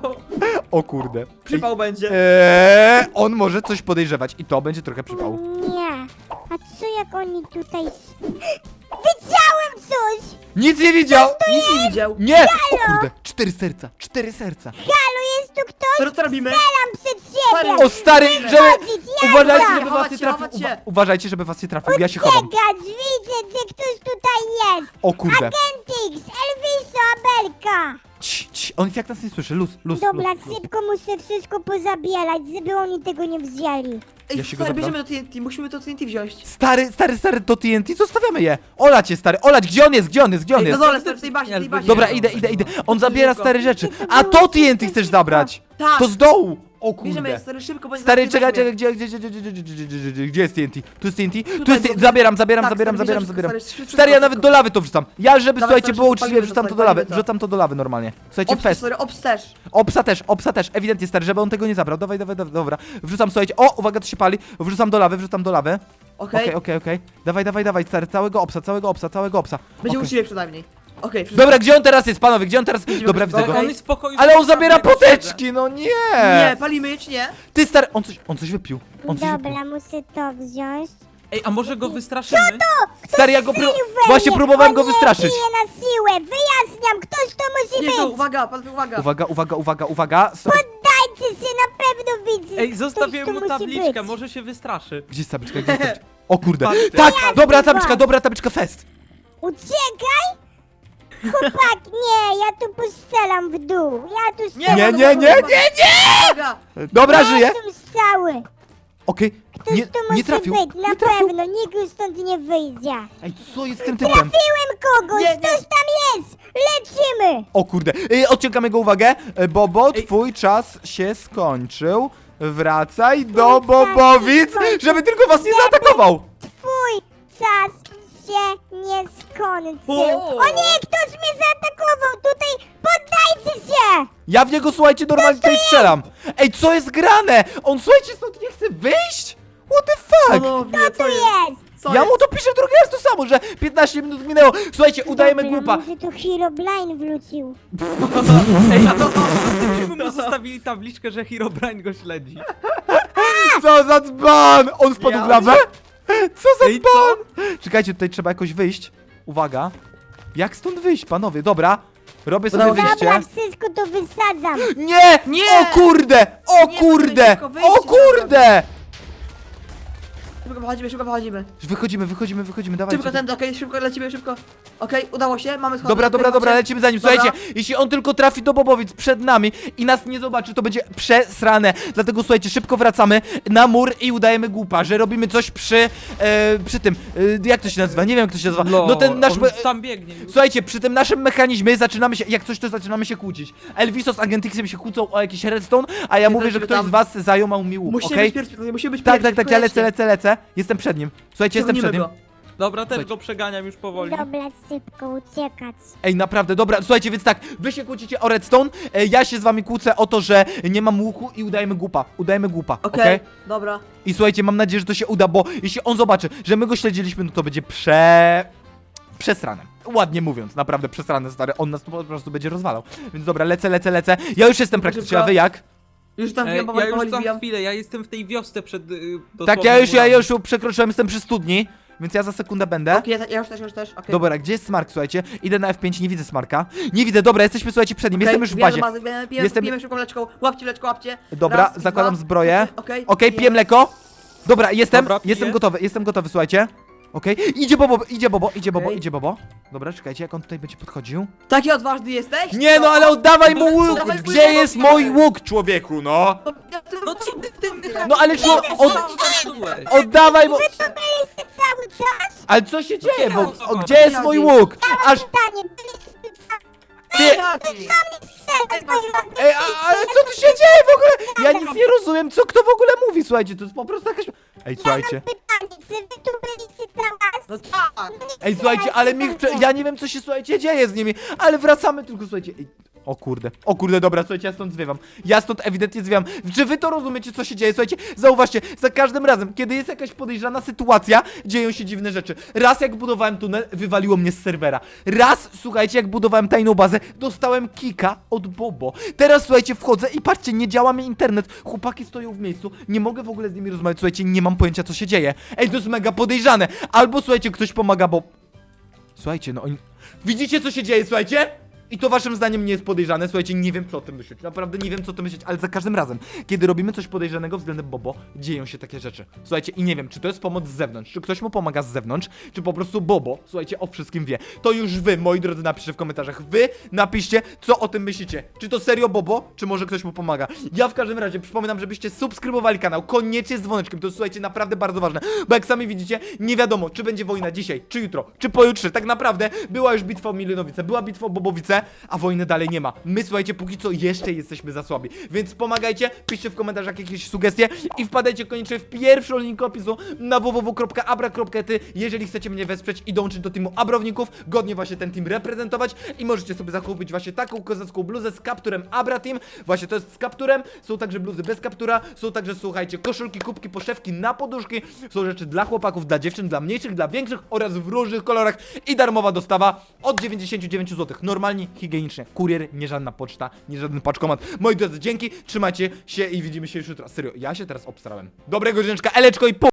[SPEAKER 1] O kurde.
[SPEAKER 2] Przypał będzie.
[SPEAKER 1] Eee, on może coś podejrzewać i to będzie trochę przypał.
[SPEAKER 4] Nie. A co jak oni tutaj... s- Widziałem coś!
[SPEAKER 1] Nic nie widział!
[SPEAKER 2] Nic nie widział.
[SPEAKER 1] Nie! O kurde, cztery serca, cztery serca.
[SPEAKER 4] Halo, jest tu ktoś?
[SPEAKER 2] Co co robimy?
[SPEAKER 4] Strzelam przed siebie!
[SPEAKER 1] O stary, żeby...
[SPEAKER 4] Chodzić, jazda!
[SPEAKER 1] Uważajcie, żeby was
[SPEAKER 2] Chować
[SPEAKER 1] nie
[SPEAKER 2] się,
[SPEAKER 1] trafił.
[SPEAKER 2] chować się.
[SPEAKER 1] Uwa uważajcie, żeby was nie trafił. Ja się chowam.
[SPEAKER 4] Czekać, widzę, że ktoś tutaj jest!
[SPEAKER 1] O kurde.
[SPEAKER 4] Agentix, Elviso, Abelka!
[SPEAKER 1] Cii, cii, on jak nas nie słyszy. Luz, luz,
[SPEAKER 4] Dobra,
[SPEAKER 1] luz, luz.
[SPEAKER 4] szybko muszę wszystko pozabierać, żeby oni tego nie wzięli.
[SPEAKER 2] Ej,
[SPEAKER 1] Ja się go
[SPEAKER 2] stary,
[SPEAKER 1] zabram.
[SPEAKER 2] bierzemy do T N T, musimy to T N T wziąć.
[SPEAKER 1] Stary, stary, stary, to T N T, zostawiamy je. Olać je, stary, olać, gdzie on jest, gdzie on jest, gdzie on
[SPEAKER 2] Ej, na
[SPEAKER 1] jest?
[SPEAKER 2] dole, stary, w tej bazie, w tej bazie.
[SPEAKER 1] Dobra,
[SPEAKER 3] Nie,
[SPEAKER 1] idę,
[SPEAKER 3] no,
[SPEAKER 1] idę, idę.
[SPEAKER 3] no.
[SPEAKER 1] On zabiera
[SPEAKER 2] Szybko.
[SPEAKER 1] stare rzeczy.
[SPEAKER 4] To
[SPEAKER 1] A
[SPEAKER 4] było
[SPEAKER 1] to T N T
[SPEAKER 4] szybko,
[SPEAKER 1] chcesz
[SPEAKER 4] szybko.
[SPEAKER 1] zabrać.
[SPEAKER 2] Tak.
[SPEAKER 1] To z dołu. O
[SPEAKER 2] Bierzemy,
[SPEAKER 1] kurde.
[SPEAKER 2] stary, szybko, bądź
[SPEAKER 1] Stary,
[SPEAKER 2] zaraz
[SPEAKER 1] czekaj,
[SPEAKER 2] weźmie.
[SPEAKER 1] czekaj, gdzie, gdzie, gdzie, gdzie, gdzie, gdzie, gdzie, gdzie, gdzie jest T N T? Tu jest T N T? Tu
[SPEAKER 2] Tutaj,
[SPEAKER 1] jest T N T.
[SPEAKER 2] bo-
[SPEAKER 1] Zabieram, zabieram,
[SPEAKER 2] Tak,
[SPEAKER 1] zabieram,
[SPEAKER 2] stary,
[SPEAKER 1] zabieram,
[SPEAKER 2] bierzesz,
[SPEAKER 1] zabieram.
[SPEAKER 2] stary, szybko,
[SPEAKER 1] Stary, ja
[SPEAKER 2] szybko,
[SPEAKER 1] nawet do lawy to wrzucam. Ja, żeby,
[SPEAKER 2] Dawaj,
[SPEAKER 1] słuchajcie,
[SPEAKER 2] stary,
[SPEAKER 1] było
[SPEAKER 2] szybko
[SPEAKER 1] uczciwie,
[SPEAKER 2] palimy
[SPEAKER 1] wrzucam
[SPEAKER 2] to,
[SPEAKER 1] to do lawy.
[SPEAKER 2] palimy to.
[SPEAKER 1] Wrzucam to do lawy normalnie. Słuchajcie,
[SPEAKER 2] Obs,
[SPEAKER 1] fest.
[SPEAKER 2] sorry, obs też.
[SPEAKER 1] Opsa też, opsa też, ewidentnie stary, żeby on tego nie zabrał. Dawaj, dawaj, dawaj, dobra. Wrzucam, słuchajcie. O, uwaga, to się pali. Wrzucam do lawy, wrzucam do lawy.
[SPEAKER 2] Okej?
[SPEAKER 1] Okej, okej, okej. Dawaj, dawaj, dawaj, stary, całego opsa, całego opsa, całego opsa.
[SPEAKER 2] Będzie
[SPEAKER 1] Okej.
[SPEAKER 2] uczciwie przynajmniej. Okej, wszystko.
[SPEAKER 1] Dobra, gdzie on teraz jest, panowie, gdzie on teraz... Dobra, widzę
[SPEAKER 2] Okej.
[SPEAKER 1] go.
[SPEAKER 3] On jest w pokoju.
[SPEAKER 1] Ale on zabiera
[SPEAKER 3] jak siedzę.
[SPEAKER 1] poteczki, no nie!
[SPEAKER 2] Nie, palimy je czy nie?
[SPEAKER 1] Ty stary, on coś, on coś wypił. On coś wypił.
[SPEAKER 4] Dobra, muszę to wziąć.
[SPEAKER 3] Ej, a może go wystraszymy?
[SPEAKER 1] Stary, ja go pró
[SPEAKER 4] Strzelił we
[SPEAKER 1] właśnie
[SPEAKER 4] mnie.
[SPEAKER 1] próbowałem
[SPEAKER 4] O
[SPEAKER 1] go
[SPEAKER 4] nie,
[SPEAKER 1] wystraszyć.
[SPEAKER 4] bije na siłę, wyjaśniam, ktoś to musi
[SPEAKER 2] Jezu,
[SPEAKER 4] być!
[SPEAKER 2] uwaga, panowie, uwaga.
[SPEAKER 1] Uwaga, uwaga, uwaga, uwaga. Sto-
[SPEAKER 4] Poddajcie się, na pewno widzę!
[SPEAKER 3] Ej, zostawiłem
[SPEAKER 4] Ktoś
[SPEAKER 3] mu
[SPEAKER 4] tu musi
[SPEAKER 3] tabliczkę,
[SPEAKER 4] być.
[SPEAKER 3] może się wystraszy.
[SPEAKER 1] Gdzie jest tabliczka, gdzie jest tabliczka? O kurde.
[SPEAKER 3] Patrzcie.
[SPEAKER 1] Tak,
[SPEAKER 4] Ja
[SPEAKER 1] dobra
[SPEAKER 4] jestem
[SPEAKER 1] tabliczka,
[SPEAKER 4] was.
[SPEAKER 1] dobra tabliczka, fest.
[SPEAKER 4] Uciekaj! Chłopak, nie, ja tu postrzelam w dół. Ja tu
[SPEAKER 2] Nie,
[SPEAKER 4] strzelam
[SPEAKER 1] Nie,
[SPEAKER 4] w
[SPEAKER 1] nie,
[SPEAKER 4] dół.
[SPEAKER 1] nie, nie, nie!
[SPEAKER 2] Uwaga.
[SPEAKER 1] Dobra, żyje.
[SPEAKER 4] są strzały.
[SPEAKER 1] Okej,
[SPEAKER 4] Ktoś
[SPEAKER 1] nie,
[SPEAKER 4] tu musi
[SPEAKER 1] nie trafił,
[SPEAKER 4] być, na
[SPEAKER 1] nie trafił.
[SPEAKER 4] pewno, nikt już stąd nie wyjdzie.
[SPEAKER 1] Ej, co jest z tym typem?
[SPEAKER 4] Trafiłem kogoś,
[SPEAKER 2] Nie, nie.
[SPEAKER 4] ktoś tam jest! Lecimy!
[SPEAKER 1] O kurde, Ej, odciągam jego uwagę. E, Bobo,
[SPEAKER 3] Ej.
[SPEAKER 1] twój czas się skończył. Wracaj do
[SPEAKER 4] czas się
[SPEAKER 1] Bobowic,
[SPEAKER 4] skończył.
[SPEAKER 1] żeby tylko was nie zaatakował.
[SPEAKER 4] Twój czas się nie skończył.
[SPEAKER 2] O.
[SPEAKER 4] O nie, ktoś mnie zaatakował! Tutaj poddajcie się!
[SPEAKER 1] Ja w niego, słuchajcie, normalnie tutaj strzelam. Ej, co jest grane? On, słuchajcie, stąd nie chce wyjść? What the fuck?
[SPEAKER 2] Panowie,
[SPEAKER 4] Kto
[SPEAKER 2] co
[SPEAKER 4] tu
[SPEAKER 2] jest?
[SPEAKER 4] jest?
[SPEAKER 2] Co
[SPEAKER 1] Ja
[SPEAKER 2] jest?
[SPEAKER 1] mu to piszę drugi raz to samo, że piętnaście minut minęło. Słuchajcie, udajemy
[SPEAKER 4] Dobra,
[SPEAKER 1] głupa.
[SPEAKER 4] może tu Herobrine wrócił.
[SPEAKER 3] Ej, a to gdybyśmy mu zostawili tabliczkę, że Herobrine go śledzi.
[SPEAKER 1] Co za dzban! On wpadł
[SPEAKER 2] Ja-
[SPEAKER 1] w lawę? Co za
[SPEAKER 3] Ej, co?
[SPEAKER 1] dzban? Czekajcie, tutaj trzeba jakoś wyjść. Uwaga. Jak stąd wyjść, panowie? Dobra. Robię sobie
[SPEAKER 2] Udało się.
[SPEAKER 1] wyjście.
[SPEAKER 4] Dobra, wszystko to wysadzam.
[SPEAKER 1] Nie!
[SPEAKER 2] Nie!
[SPEAKER 1] O kurde! O
[SPEAKER 2] Nie,
[SPEAKER 1] kurde!
[SPEAKER 2] szybko wyjście
[SPEAKER 1] O
[SPEAKER 2] trzeba
[SPEAKER 1] kurde!
[SPEAKER 2] Szybko wychodzimy, szybko wychodzimy.
[SPEAKER 1] Wychodzimy, wychodzimy, wychodzimy, dawajcie.
[SPEAKER 2] Szybko ten, okej, szybko lecimy, szybko. Okej, udało się, mamy schody.
[SPEAKER 1] Dobra, dobra,
[SPEAKER 2] okej,
[SPEAKER 1] dobra,
[SPEAKER 2] macie.
[SPEAKER 1] lecimy za nim.
[SPEAKER 2] Dobra.
[SPEAKER 1] Słuchajcie, jeśli on tylko trafi do Bobowic przed nami i nas nie zobaczy, to będzie przesrane. Dlatego słuchajcie, szybko wracamy na mur i udajemy głupa, że robimy coś przy, e, przy tym, e, jak to się nazywa? Nie wiem, jak to się nazywa.
[SPEAKER 3] No,
[SPEAKER 1] No ten nasz...
[SPEAKER 3] on tam biegnie.
[SPEAKER 1] Słuchajcie, przy tym naszym mechanizmie zaczynamy się, jak coś to zaczynamy się kłócić. Elviso z Agentixem się kłócą o jakiś redstone, a ja
[SPEAKER 2] Nie
[SPEAKER 1] mówię, że
[SPEAKER 2] lecimy
[SPEAKER 1] ktoś
[SPEAKER 2] tam.
[SPEAKER 1] z was zajął mi łuk,
[SPEAKER 2] Musimy
[SPEAKER 1] okej?
[SPEAKER 2] być pierwsi, musimy być
[SPEAKER 1] Tak,
[SPEAKER 2] pierwsi.
[SPEAKER 1] tak, tak,
[SPEAKER 2] szybko
[SPEAKER 1] ja lecę,
[SPEAKER 2] lećcie.
[SPEAKER 1] lecę, lecę. Jestem przed nim. Słuchajcie, jestem przed nim.
[SPEAKER 2] Ciągnijmy go.
[SPEAKER 3] Dobra, też
[SPEAKER 1] Słuchajcie.
[SPEAKER 3] go przeganiam już powoli.
[SPEAKER 4] Dobra, szybko uciekać.
[SPEAKER 1] Ej, naprawdę, dobra, słuchajcie, więc tak, wy się kłócicie o redstone, e, ja się z wami kłócę o to, że nie mam łuku i udajemy głupa, udajemy głupa, okej?
[SPEAKER 2] Okej, dobra.
[SPEAKER 1] I słuchajcie, mam nadzieję, że to się uda, bo jeśli on zobaczy, że my go śledziliśmy, no to będzie prze... przesrane. Ładnie mówiąc, naprawdę przesrane, stary, on nas po prostu będzie rozwalał. Więc dobra, lecę, lecę, lecę. Ja już jestem praktycznie, a wy jak?
[SPEAKER 2] Już tam
[SPEAKER 3] Ej,
[SPEAKER 2] wbijam,
[SPEAKER 3] ja
[SPEAKER 2] powoli,
[SPEAKER 3] już
[SPEAKER 2] powoli
[SPEAKER 3] za
[SPEAKER 2] wbijam.
[SPEAKER 3] chwilę, ja jestem w tej wiosce przed... y,
[SPEAKER 1] Tak,
[SPEAKER 3] dosłownie
[SPEAKER 1] ja już, ja
[SPEAKER 3] murami.
[SPEAKER 1] już przekroczyłem, jestem przy studni, więc ja za sekundę będę.
[SPEAKER 2] Okej, ja, ja już też, już też, okej.
[SPEAKER 1] Dobra, gdzie jest Smark, słuchajcie? Idę na F pięć, nie widzę Smarka. Nie widzę, dobra, jesteśmy, słuchajcie, przed nim,
[SPEAKER 2] Okej,
[SPEAKER 1] jestem już w
[SPEAKER 2] wbijamy
[SPEAKER 1] bazie.
[SPEAKER 2] do bazy, wbijamy, wbijamy,
[SPEAKER 1] Jestem-
[SPEAKER 2] wbijamy szybką leczką. Łapcie leczko, łapcie.
[SPEAKER 1] Dobra,
[SPEAKER 2] Raz,
[SPEAKER 1] zakładam
[SPEAKER 2] dwa.
[SPEAKER 1] zbroję.
[SPEAKER 2] Okej,
[SPEAKER 1] Okej, piję mleko. Dobra, jestem,
[SPEAKER 3] Dobra, piję.
[SPEAKER 1] jestem gotowy, jestem gotowy, słuchajcie. Okej, idzie Bobo, idzie Bobo, idzie Bobo,
[SPEAKER 2] Okej.
[SPEAKER 1] idzie Bobo. Dobra, czekajcie, jak on tutaj będzie podchodził.
[SPEAKER 2] Taki odważny jesteś?
[SPEAKER 1] Nie no, ale oddawaj mu łuk!
[SPEAKER 2] Dawaj mój
[SPEAKER 1] Gdzie
[SPEAKER 2] łuk,
[SPEAKER 1] jest
[SPEAKER 2] dawaj.
[SPEAKER 1] mój łuk, człowieku, no?
[SPEAKER 2] No ty, ty, ty, ty.
[SPEAKER 1] No ale czło, od,
[SPEAKER 3] Zepsułeś.
[SPEAKER 1] oddawaj mu...
[SPEAKER 4] Byliście cały czas?
[SPEAKER 1] Ale co się dzieje, bo,
[SPEAKER 3] o co
[SPEAKER 1] o,
[SPEAKER 3] chodzi?
[SPEAKER 1] gdzie jest mój łuk? Aż,
[SPEAKER 4] Pytanie, byliście cały
[SPEAKER 1] ty...
[SPEAKER 4] czas?
[SPEAKER 1] Ej, a, ale co tu się dzieje w ogóle? Ja nic nie rozumiem, co kto w ogóle mówi, słuchajcie, to jest po prostu jakaś... Ej, słuchajcie.
[SPEAKER 4] Pytanie, czy wy tu byliście cały czas?
[SPEAKER 2] No tak.
[SPEAKER 1] Ej, słuchajcie, ale mi... Ja nie wiem, co się, słuchajcie, dzieje z nimi, ale wracamy tylko, słuchajcie... Ej, o kurde, o kurde, dobra, słuchajcie, ja stąd zwiewam. Ja stąd ewidentnie zwiewam. Czy wy to rozumiecie, co się dzieje? Słuchajcie, zauważcie, za każdym razem, kiedy jest jakaś podejrzana sytuacja, dzieją się dziwne rzeczy. Raz jak budowałem tunel, wywaliło mnie z serwera. Raz, słuchajcie, jak budowałem tajną bazę, dostałem kika od Bobo. Teraz, słuchajcie, wchodzę i patrzcie, nie działa mi internet. Chłopaki stoją w miejscu, nie mogę w ogóle z nimi rozmawiać, słuchajcie, nie mam pojęcia, co się dzieje. Ej, to jest mega podejrzane. Albo, słuchajcie, ktoś pomaga, bo... Słuchajcie, no oni... Widzicie, co się dzieje, słuchajcie? I to waszym zdaniem nie jest podejrzane, słuchajcie, nie wiem co o tym myśleć, naprawdę nie wiem co o tym myśleć, ale za każdym razem, kiedy robimy coś podejrzanego względem Bobo, dzieją się takie rzeczy. Słuchajcie, i nie wiem, czy to jest pomoc z zewnątrz, czy ktoś mu pomaga z zewnątrz, czy po prostu Bobo, słuchajcie, o wszystkim wie. To już wy, moi drodzy, napiszcie w komentarzach, wy napiszcie, co o tym myślicie. Czy to serio Bobo, czy może ktoś mu pomaga. Ja w każdym razie przypominam, żebyście subskrybowali kanał, koniecznie z dzwoneczkiem, to jest, słuchajcie, naprawdę bardzo ważne, bo jak sami widzicie, nie wiadomo, czy będzie wojna dzisiaj, czy jutro, czy pojutrze, tak naprawdę była już bitwa o Milionowice, była bitwa o Bobowice, a wojny dalej nie ma. My, słuchajcie, póki co jeszcze jesteśmy za słabi. Więc pomagajcie, piszcie w komentarzach jakieś sugestie i wpadajcie koniecznie w pierwszy link opisu na w w w kropka abra kropka ty, jeżeli chcecie mnie wesprzeć i dołączyć do teamu Abrowników, godnie właśnie ten team reprezentować i możecie sobie zakupić właśnie taką kozacką bluzę z kapturem Abra Team. Właśnie to jest z kapturem, są także bluzy bez kaptura, są także, słuchajcie, koszulki, kubki, poszewki na poduszki, są rzeczy dla chłopaków, dla dziewczyn, dla mniejszych, dla większych oraz w różnych kolorach i darmowa dostawa od dziewięćdziesiąt dziewięć złotych. Normalnie, higienicznie. Kurier, nie żadna poczta, nie żaden paczkomat. Moi drodzy, dzięki, trzymajcie się i widzimy się już jutro. Serio, ja się teraz obstarałem. Dobrego drzęczka, eleczko i po...